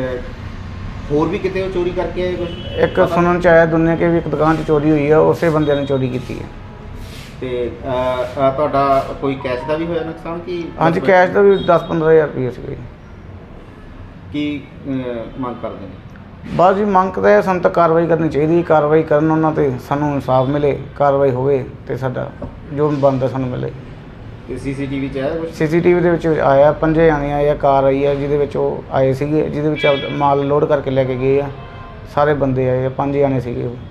ਹੋਰ ਵੀ ਕਿਤੇ ਉਹ ਚੋਰੀ ਕਰਕੇ ਆਏ ਕੁਝ? ਇੱਕ ਸੁਣਨ ਚ ਆਇਆ ਦੁਨੀਆ ਕੇ ਵੀ ਇੱਕ ਦੁਕਾਨ 'ਚ ਚੋਰੀ ਹੋਈ ਆ, ਉਸੇ ਬੰਦਿਆਂ ਨੇ ਚੋਰੀ ਕੀਤੀ ਹੈ। ਤੇ ਤੁਹਾਡਾ ਕੋਈ ਕੈਸ਼ ਦਾ ਵੀ ਹੋਇਆ ਨੁਕਸਾਨ ਕਿ ਹਾਂਜੀ ਕੈਸ਼ ਦਾ ਵੀ 10-15 ਹਜ਼ਾਰ ਰੁਪਏ ਸੀਗਾ ਜੀ। ਕੀ ਮੰਗ ਕਰਦੇ ਨੇ? ਬਸ ਜੀ ਮੰਗ ਤਾਂ ਇਹ ਸਾਨੂੰ ਤਾਂ ਕਾਰਵਾਈ ਕਰਨੀ ਚਾਹੀਦੀ, ਕਾਰਵਾਈ ਕਰਨ ਉਹਨਾਂ ਤੇ ਸਾਨੂੰ ਇਨਸਾਫ ਮਿਲੇ, ਕਾਰਵਾਈ ਹੋਵੇ ਤੇ ਸਾਡਾ ਜੋ ਬਣਦਾ ਸਾਨੂੰ ਮਿਲੇ। ਤੇ ਸੀਸੀਟੀਵੀ ਚ ਆਇਆ ਕੁਝ? ਸੀਸੀਟੀਵੀ ਦੇ ਵਿੱਚ ਆਇਆ 5 ਜਾਣੇ ਆਏ ਆ, ਕਾਰ ਆਈ ਆ ਜਿਹਦੇ ਵਿੱਚ ਉਹ ਆਏ ਸੀਗੇ, ਜਿਹਦੇ ਵਿੱਚ ਮਾਲ ਲੋਡ ਕਰਕੇ ਲੈ ਕੇ ਗਏ ਆ। ਸਾਰੇ ਬੰਦੇ ਆਏ ਆ, 5 ਜਾਣੇ ਸੀਗੇ ਉਹ।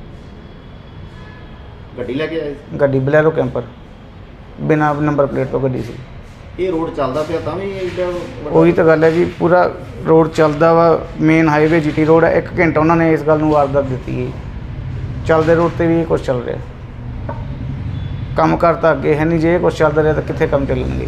ਗੱਡੀ ਲੈ ਕੇ ਆਏ ਸੀ? ਗੱਡੀ ਬਲੈਰੋ ਕੈਂਪਰ ਬਿਨਾਂ ਨੰਬਰ ਪਲੇਟ ਤੋਂ ਗੱਡੀ ਸੀ। ਇਹ ਰੋਡ ਚੱਲਦਾ ਪਿਆ ਤਾਂ ਵੀ ਇਹਦਾ ਉਹੀ ਤਾਂ ਗੱਲ ਹੈ ਜੀ, ਪੂਰਾ ਰੋਡ ਚੱਲਦਾ ਵਾ, ਮੇਨ ਹਾਈਵੇ ਜੀਟੀ ਰੋਡ ਹੈ। 1 ਘੰਟਾ ਉਹਨਾਂ ਨੇ ਇਸ ਗੱਲ ਨੂੰ ਵਾਰਦਾਤ ਦਿੱਤੀ ਹੈ। ਚੱਲਦੇ ਰੋਡ ਤੇ ਵੀ ਇਹ ਕੁਛ ਚੱਲ ਰਿਹਾ, ਕੰਮ ਕਾਰ ਤਾਂ ਅੱਗੇ ਹੈ ਨਹੀਂ। ਜੇ ਇਹ ਕੁਛ ਚੱਲਦਾ ਰਿਹਾ ਤਾਂ ਕਿੱਥੇ ਕੰਮ ਚੱਲਣਗੇ।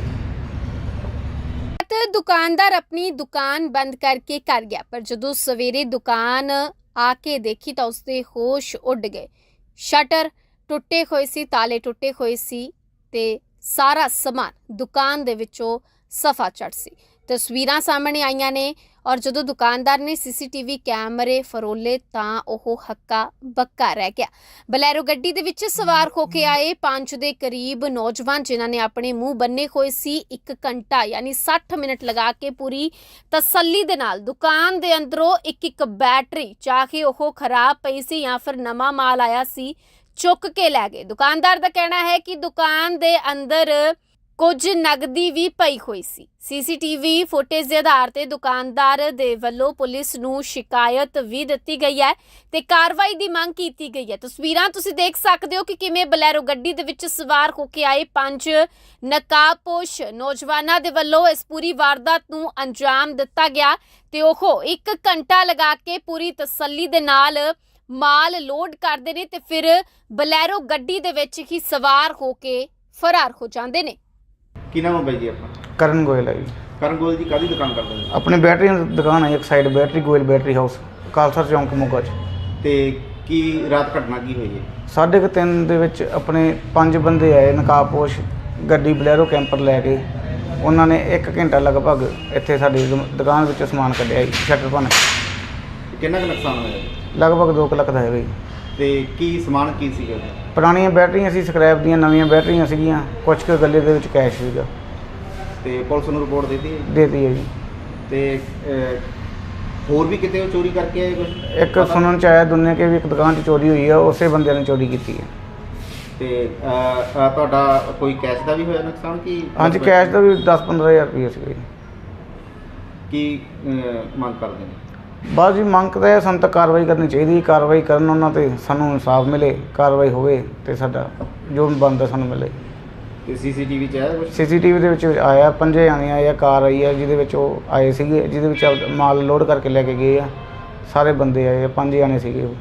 ਦੁਕਾਨਦਾਰ ਆਪਣੀ ਦੁਕਾਨ ਬੰਦ ਕਰਕੇ ਕਰ ਗਿਆ, ਪਰ ਜਦੋਂ ਸਵੇਰੇ ਦੁਕਾਨ ਆ ਕੇ ਦੇਖੀ ਤਾਂ ਉਸਦੇ ਹੋਸ਼ ਉੱਡ ਗਏ। ਸ਼ਟਰ ਟੁੱਟੇ ਹੋਏ ਸੀ, ਤਾਲੇ ਟੁੱਟੇ ਹੋਏ ਸੀ ਤੇ ਸਾਰਾ ਸਮਾਨ ਦੁਕਾਨ ਦੇ ਵਿੱਚੋਂ ਸਫਾ ਚੜ ਸੀ। ਤਸਵੀਰਾਂ ਸਾਹਮਣੇ ਆਈਆਂ ਨੇ ਔਰ ਜਦੋਂ ਦੁਕਾਨਦਾਰ ਨੇ ਸੀਸੀਟੀਵੀ ਕੈਮਰੇ ਫਰੋਲੇ ਤਾਂ ਉਹ ਹੱਕਾ ਬੱਕਾ ਰਹਿ ਗਿਆ। ਬਲੈਰੋ ਗੱਡੀ ਦੇ ਵਿੱਚ ਸਵਾਰ ਹੋ ਕੇ ਆਏ 5 ਦੇ ਕਰੀਬ ਨੌਜਵਾਨ, ਜਿਨ੍ਹਾਂ ਨੇ ਆਪਣੇ ਮੂੰਹ ਬੰਨੇ ਹੋਏ ਸੀ, 1 ਘੰਟਾ ਯਾਨੀ 60 ਮਿੰਟ ਲਗਾ ਕੇ ਪੂਰੀ ਤਸੱਲੀ ਦੇ ਨਾਲ ਦੁਕਾਨ ਦੇ ਅੰਦਰੋਂ ਇੱਕ ਬੈਟਰੀ, ਚਾਹੇ ਉਹ ਖਰਾਬ ਪਈ ਸੀ ਜਾਂ ਫਿਰ ਨਵਾਂ ਮਾਲ ਆਇਆ ਸੀ, ਚੁੱਕ ਕੇ ਲੈ ਗਏ। ਦੁਕਾਨਦਾਰ ਦਾ ਕਹਿਣਾ ਹੈ ਕਿ ਦੁਕਾਨ ਦੇ ਅੰਦਰ ਕੁਝ ਨਗਦੀ ਵੀ ਪਈ ਹੋਈ ਸੀ। ਸੀਸੀਟੀਵੀ ਫੁਟੇਜ ਦੇ ਆਧਾਰ ਤੇ ਦੁਕਾਨਦਾਰ ਦੇ ਵੱਲੋਂ ਪੁਲਿਸ ਨੂੰ ਸ਼ਿਕਾਇਤ ਵੀ ਦਿੱਤੀ ਗਈ ਹੈ ਤੇ ਕਾਰਵਾਈ ਦੀ ਮੰਗ ਕੀਤੀ ਗਈ ਹੈ। ਤਸਵੀਰਾਂ ਤੁਸੀਂ ਦੇਖ ਸਕਦੇ ਹੋ ਕਿ ਕਿਵੇਂ ਬਲੈਰੋ ਗੱਡੀ ਦੇ ਵਿੱਚ ਸਵਾਰ ਹੋ ਕੇ ਆਏ 5 ਨਕਾਬਪੋਸ਼ ਨੌਜਵਾਨਾਂ ਦੇ ਵੱਲੋਂ ਇਸ ਪੂਰੀ ਵਾਰਦਾਤ ਨੂੰ ਅੰਜਾਮ ਦਿੱਤਾ ਗਿਆ ਤੇ ਉਹ 1 ਘੰਟਾ ਲਗਾ ਕੇ ਪੂਰੀ ਤਸੱਲੀ ਦੇ ਨਾਲ ਮਾਲ ਲੋਡ ਕਰਦੇ ਨੇ ਤੇ ਫਿਰ ਬਲੈਰੋ ਗੱਡੀ ਦੇ ਵਿੱਚ ਹੀ ਸਵਾਰ ਹੋ ਕੇ ਫਰਾਰ ਹੋ ਜਾਂਦੇ ਨੇ। ਕੀ ਨਾਮ ਹੈ ਬਾਈ ਜੀ ਆਪਣਾ? ਕਰਨ ਗੋਇਲ ਹੈ ਜੀ। ਕਰਨ ਗੋਲ ਜੀ ਕਾਹਦੀ ਦੁਕਾਨ ਕਰਦੇ ਨੇ? ਆਪਣੀ ਬੈਟਰੀ ਦੀ ਦੁਕਾਨ ਹੈ ਇੱਕ side, battery Goyal battery house, Khalsa ਚੌਂਕ ਮੋਗਾ 'ਚ। ਤੇ ਕੀ ਰਾਤ ਘਟਨਾ ਕੀ ਹੋਈ ਹੈ? 3:30 ਦੇ ਵਿੱਚ ਆਪਣੇ 5 ਬੰਦੇ ਆਏ ਨਕਾਬਪੋਸ਼, ਗੱਡੀ ਬਲੈਰੋ ਕੈਂਪਰ ਲੈ ਕੇ ਉਹਨਾਂ ਨੇ 1 ਘੰਟਾ ਲਗਭਗ ਇੱਥੇ ਸਾਡੀ ਦੁਕਾਨ ਵਿੱਚੋਂ ਸਮਾਨ ਕੱਢਿਆ ਜੀ, ਸ਼ਟਰ ਭੰਨ ਕੇ। ਕਿੰਨਾ ਕੁ ਨੁਕਸਾਨ ਹੋਇਆ ਜੀ? ਲਗਭਗ 2 ਲੱਖ ਦਾ ਹੈਗਾ ਜੀ। ਤੇ ਕੀ ਸਮਾਨ ਕੀ ਸੀਗਾ ਜੀ? ਪੁਰਾਣੀਆਂ ਬੈਟਰੀਆਂ ਸੀ, ਸਕ੍ਰੈਪ ਦੀਆਂ ਨਵੀਆਂ ਬੈਟਰੀਆਂ ਸੀਗੀਆਂ, ਕੁਝ ਕੁ ਗੱਲੇ ਦੇ ਵਿੱਚ ਕੈਸ਼ ਸੀਗਾ। ਤੇ ਪੁਲਿਸ ਨੂੰ ਰਿਪੋਰਟ ਦਿੱਤੀ ਹੈ? ਦੇਤੀ ਹੈ ਜੀ। ਤੇ ਹੋਰ ਵੀ ਕਿਤੇ ਉਹ ਚੋਰੀ ਕਰਕੇ ਆਏ ਕੁਛ? ਇੱਕ ਸੁਣਨ ਚ ਆਇਆ ਦੁਨੀਆ ਕੇ ਵੀ ਇੱਕ ਦੁਕਾਨ 'ਚ ਚੋਰੀ ਹੋਈ ਆ, ਉਸੇ ਬੰਦਿਆਂ ਨੇ ਚੋਰੀ ਕੀਤੀ ਹੈ। ਤੇ ਤੁਹਾਡਾ ਕੋਈ ਕੈਸ਼ ਦਾ ਵੀ ਹੋਇਆ ਨੁਕਸਾਨ ਕੀ? ਹਾਂਜੀ, ਕੈਸ਼ ਦਾ ਵੀ 10-15 ਹਜ਼ਾਰ ਰੁਪਏ ਸੀਗਾ ਜੀ। ਕੀ ਮੰਗ ਕਰਦੇ ਨੇ? ਬਸ ਜੀ ਮੰਗ ਤਾਂ ਇਹ ਸਾਨੂੰ ਤਾਂ ਕਾਰਵਾਈ ਕਰਨੀ ਚਾਹੀਦੀ, ਕਾਰਵਾਈ ਕਰਨ ਉਹਨਾਂ ਤੇ ਸਾਨੂੰ ਇਨਸਾਫ ਮਿਲੇ, ਕਾਰਵਾਈ ਹੋਵੇ ਤੇ ਸਾਡਾ ਜੋ ਬਣਦਾ ਸਾਨੂੰ ਮਿਲੇ। ਤੇ ਸੀਸੀਟੀਵੀ 'ਚ ਆਇਆ ਕੁਛ? ਸੀਸੀਟੀਵੀ ਦੇ ਵਿੱਚ ਆਇਆ 5 ਜਾਣੇ ਆਏ ਆ, ਕਾਰ ਆਈ ਆ ਜਿਹਦੇ ਵਿੱਚ ਉਹ ਆਏ ਸੀਗੇ, ਜਿਹਦੇ ਵਿੱਚ ਮਾਲ ਲੋਡ ਕਰਕੇ ਲੈ ਕੇ ਗਏ ਆ। ਸਾਰੇ ਬੰਦੇ ਆਏ ਆ, 5 ਜਾਣੇ ਸੀਗੇ ਉਹ।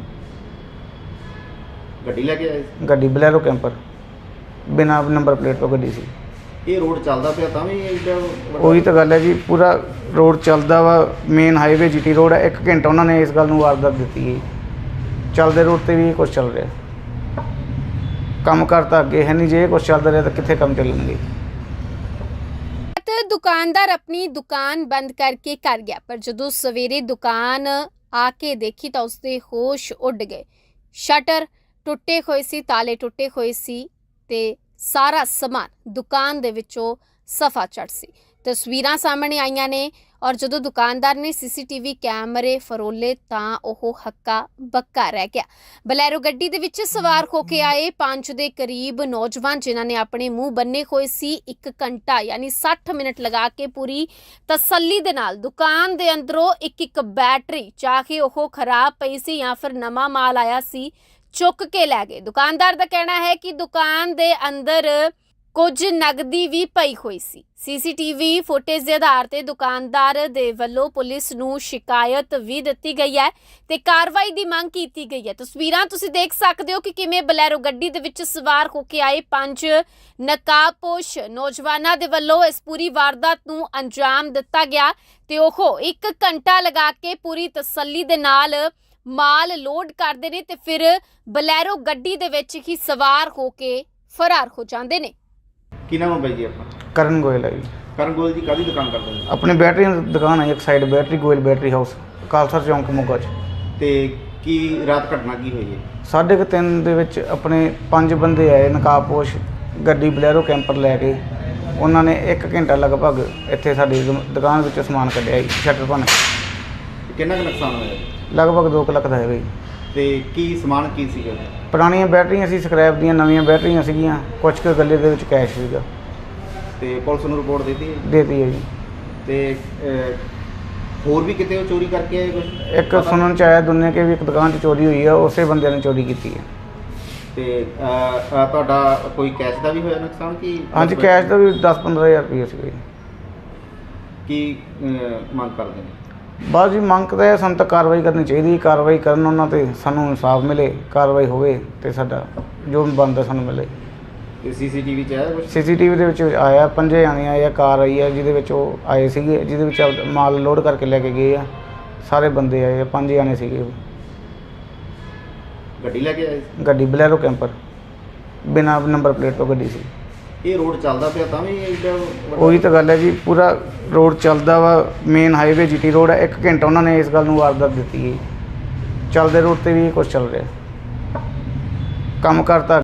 ਗੱਡੀ ਲੈ ਕੇ ਆਏ ਸੀ? ਗੱਡੀ ਬਲੈਰੋ ਕੈਂਪਰ, ਬਿਨਾਂ ਨੰਬਰ ਪਲੇਟ ਤੋਂ ਗੱਡੀ ਸੀ। ਇਹ ਰੋਡ ਚੱਲਦਾ ਪਿਆ ਤਾਂ ਵੀ ਇੱਡਾ ਵੱਡਾ- ਉਹੀ ਤਾਂ ਗੱਲ ਹੈ ਜੀ, ਪੂਰਾ ਰੋਡ ਚੱਲਦਾ ਵਾ, ਮੇਨ ਹਾਈਵੇ ਜੀਟੀ ਰੋਡ ਹੈ। 1 ਘੰਟਾ ਉਹਨਾਂ ਨੇ ਇਸ ਗੱਲ ਨੂੰ ਵਾਰਦਾਤ ਦਿੱਤੀ ਹੈ। ਚੱਲਦੇ ਰੋਡ ਤੇ ਵੀ ਇਹ ਕੁਛ ਚੱਲ ਰਿਹਾ, ਕੰਮ ਕਾਰ ਤਾਂ ਅੱਗੇ ਹੈ ਨਹੀਂ। ਜੇ ਇਹ ਕੁਛ ਚੱਲਦਾ ਰਿਹਾ ਤਾਂ ਕਿੱਥੇ ਕੰਮ ਚੱਲਣਗੇ। ਦੁਕਾਨਦਾਰ ਆਪਣੀ ਦੁਕਾਨ ਬੰਦ ਕਰਕੇ ਕਰ ਗਿਆ, ਪਰ ਜਦੋਂ ਸਵੇਰੇ ਦੁਕਾਨ ਆ ਕੇ ਦੇਖੀ ਤਾਂ ਉਸਦੇ ਹੋਸ਼ ਉੱਡ ਗਏ। ਸ਼ਟਰ ਟੁੱਟੇ ਹੋਏ ਸੀ, ਤਾਲੇ ਟੁੱਟੇ ਹੋਏ ਸੀ ਤੇ ਸਾਰਾ ਸਮਾਨ ਦੁਕਾਨ ਦੇ ਵਿੱਚੋਂ ਸਫਾ ਚੜ ਸੀ। ਤਸਵੀਰਾਂ ਸਾਹਮਣੇ ਆਈਆਂ ਨੇ ਔਰ ਜਦੋਂ ਦੁਕਾਨਦਾਰ ਨੇ ਸੀਸੀਟੀਵੀ ਕੈਮਰੇ ਫਰੋਲੇ ਤਾਂ ਉਹ ਹੱਕਾ ਬੱਕਾ ਰਹਿ ਗਿਆ। ਬਲੈਰੋ ਗੱਡੀ ਦੇ ਵਿੱਚ ਸਵਾਰ ਹੋ ਕੇ ਆਏ 5 ਦੇ ਕਰੀਬ ਨੌਜਵਾਨ, ਜਿਨ੍ਹਾਂ ਨੇ ਆਪਣੇ ਮੂੰਹ ਬੰਨੇ ਹੋਏ ਸੀ, 1 ਘੰਟਾ ਯਾਨੀ 60 ਮਿੰਟ ਲਗਾ ਕੇ ਪੂਰੀ ਤਸੱਲੀ ਦੇ ਨਾਲ ਦੁਕਾਨ ਦੇ ਅੰਦਰੋਂ ਇੱਕ ਬੈਟਰੀ, ਚਾਹੇ ਉਹ ਖਰਾਬ ਪਈ ਸੀ ਜਾਂ ਫਿਰ ਨਵਾਂ ਮਾਲ ਆਇਆ ਸੀ, ਚੁੱਕ ਕੇ ਲੈ ਗਏ। ਦੁਕਾਨਦਾਰ ਦਾ ਕਹਿਣਾ ਹੈ ਕਿ ਦੁਕਾਨ ਦੇ ਅੰਦਰ ਕੁਝ ਨਗਦੀ ਵੀ ਪਈ ਹੋਈ ਸੀ। ਸੀਸੀਟੀਵੀ ਫੁਟੇਜ ਦੇ ਆਧਾਰ ਤੇ ਦੁਕਾਨਦਾਰ ਦੇ ਵੱਲੋਂ ਪੁਲਿਸ ਨੂੰ ਸ਼ਿਕਾਇਤ ਵੀ ਦਿੱਤੀ ਗਈ ਹੈ ਤੇ ਕਾਰਵਾਈ ਦੀ ਮੰਗ ਕੀਤੀ ਗਈ ਹੈ। ਤਸਵੀਰਾਂ ਤੁਸੀਂ ਦੇਖ ਸਕਦੇ ਹੋ ਕਿ ਕਿਵੇਂ ਬਲੈਰੋ ਗੱਡੀ ਦੇ ਵਿੱਚ ਸਵਾਰ ਹੋ ਕੇ ਆਏ 5 ਨਕਾਬਪੋਸ਼ ਨੌਜਵਾਨਾਂ ਦੇ ਵੱਲੋਂ ਇਸ ਪੂਰੀ ਵਾਰਦਾਤ ਨੂੰ ਅੰਜਾਮ ਦਿੱਤਾ ਗਿਆ ਤੇ ਉਹ 1 ਘੰਟਾ ਲਗਾ ਕੇ ਪੂਰੀ ਤਸੱਲੀ ਦੇ ਨਾਲ ਮਾਲ ਲੋਡ ਕਰਦੇ ਨੇ ਤੇ ਫਿਰ ਬਲੈਰੋ ਗੱਡੀ ਦੇ ਵਿੱਚ ਹੀ ਸਵਾਰ ਹੋ ਕੇ ਫਰਾਰ ਹੋ ਜਾਂਦੇ ਨੇ। ਕੀ ਨਾਮ ਹੈ ਬਾਈ ਜੀ ਆਪਣਾ? ਕਰਨ ਗੋਇਲ ਹੈ ਜੀ। ਕਰਨ ਗੋਲ ਜੀ ਕਾਹਦੀ ਦੁਕਾਨ ਕਰਦੇ ਨੇ? ਆਪਣੀ ਬੈਟਰੀ ਦੀ ਦੁਕਾਨ ਹੈ, ਇੱਕ side battery Goyal battery house, Khalsa ਚੌਂਕ ਮੋਗਾ 'ਚ। ਤੇ ਕੀ ਰਾਤ ਘਟਨਾ ਕੀ ਹੋਈ ਹੈ? 3:30 ਦੇ ਵਿੱਚ ਆਪਣੇ 5 ਬੰਦੇ ਆਏ ਨਕਾਬਪੋਸ਼, ਗੱਡੀ ਬਲੈਰੋ ਕੈਂਪਰ ਲੈ ਕੇ ਉਹਨਾਂ ਨੇ 1 ਘੰਟਾ ਲਗਭਗ ਇੱਥੇ ਸਾਡੀ ਦੁਕਾਨ ਵਿੱਚੋਂ ਸਮਾਨ ਕੱਢਿਆ ਜੀ, ਸ਼ਟਰ ਭੰਨ ਕੇ। ਕਿੰਨਾ ਕੁ ਨੁਕਸਾਨ ਹੋਇਆ ਜੀ? ਲਗਭਗ 2 ਲੱਖ ਦਾ ਹੈਗਾ ਜੀ। ਤੇ ਕੀ ਸਮਾਨ ਕੀ ਸੀਗਾ ਜੀ? ਪੁਰਾਣੀਆਂ ਬੈਟਰੀਆਂ ਸੀ, ਸਕ੍ਰੈਪ ਦੀਆਂ ਨਵੀਆਂ ਬੈਟਰੀਆਂ ਸੀਗੀਆਂ, ਕੁਝ ਕੁ ਗੱਲੇ ਦੇ ਵਿੱਚ ਕੈਸ਼ ਸੀਗਾ। ਤੇ ਪੁਲਿਸ ਨੂੰ ਰਿਪੋਰਟ ਦਿੱਤੀ ਹੈ? ਦੇਤੀ ਹੈ ਜੀ। ਤੇ ਹੋਰ ਵੀ ਕਿਤੇ ਉਹ ਚੋਰੀ ਕਰਕੇ ਆਏ ਕੁਛ? ਇੱਕ ਸੁਣਨ ਚ ਆਇਆ ਦੁਨੀਆ ਕੇ ਵੀ ਇੱਕ ਦੁਕਾਨ 'ਚ ਚੋਰੀ ਹੋਈ ਆ, ਉਸੇ ਬੰਦਿਆਂ ਨੇ ਚੋਰੀ ਕੀਤੀ ਹੈ। ਤੇ ਤੁਹਾਡਾ ਕੋਈ ਕੈਸ਼ ਦਾ ਵੀ ਹੋਇਆ ਨੁਕਸਾਨ ਕੀ? ਹਾਂਜੀ, ਕੈਸ਼ ਦਾ ਵੀ 10-15 ਹਜ਼ਾਰ ਰੁਪਏ ਸੀਗਾ ਜੀ। ਕੀ ਮੰਗ ਕਰਦੇ ਨੇ? ਬਸ ਜੀ ਮੰਗ ਤਾਂ ਇਹ ਸਾਨੂੰ ਤਾਂ ਕਾਰਵਾਈ ਕਰਨੀ ਚਾਹੀਦੀ, ਕਾਰਵਾਈ ਕਰਨ ਉਹਨਾਂ ਤੇ ਸਾਨੂੰ ਇਨਸਾਫ ਮਿਲੇ, ਕਾਰਵਾਈ ਹੋਵੇ ਤੇ ਸਾਡਾ ਜੋ ਬਣਦਾ ਸਾਨੂੰ ਮਿਲੇ। ਤੇ ਸੀਸੀਟੀਵੀ 'ਚ ਆਇਆ ਕੁਛ? ਸੀਸੀਟੀਵੀ ਦੇ ਵਿੱਚ ਆਇਆ 5 ਜਾਣੇ ਆਏ ਆ, ਕਾਰ ਆਈ ਆ ਜਿਹਦੇ ਵਿੱਚ ਉਹ ਆਏ ਸੀਗੇ, ਜਿਹਦੇ ਵਿੱਚ ਮਾਲ ਲੋਡ ਕਰਕੇ ਲੈ ਕੇ ਗਏ ਆ। ਸਾਰੇ ਬੰਦੇ ਆਏ ਆ, 5 ਜਾਣੇ ਸੀਗੇ ਉਹ। ਗੱਡੀ ਲੈ ਕੇ ਆਏ ਸੀ? ਗੱਡੀ ਬਲੈਰੋ ਕੈਂਪਰ, ਬਿਨਾਂ ਨੰਬਰ ਪਲੇਟ ਤੋਂ ਗੱਡੀ ਸੀ। ਇਹ ਰੋਡ ਚੱਲਦਾ ਪਿਆ ਤਾਂ ਵੀ ਇੱਡਾ ਵੱਡਾ- ਉਹੀ ਤਾਂ ਗੱਲ ਹੈ ਜੀ, ਪੂਰਾ ਰੋਡ ਚੱਲਦਾ ਵਾ, ਮੇਨ ਹਾਈਵੇ ਜੀਟੀ ਰੋਡ ਹੈ। 1 ਘੰਟਾ ਉਹਨਾਂ ਨੇ ਇਸ ਗੱਲ ਨੂੰ ਵਾਰਦਾਤ ਦਿੱਤੀ ਹੈ। ਚੱਲਦੇ ਰੋਡ ਤੇ ਵੀ ਇਹ ਕੁਛ ਚੱਲ ਰਿਹਾ, ਕੰਮ ਕਾਰ ਤਾਂ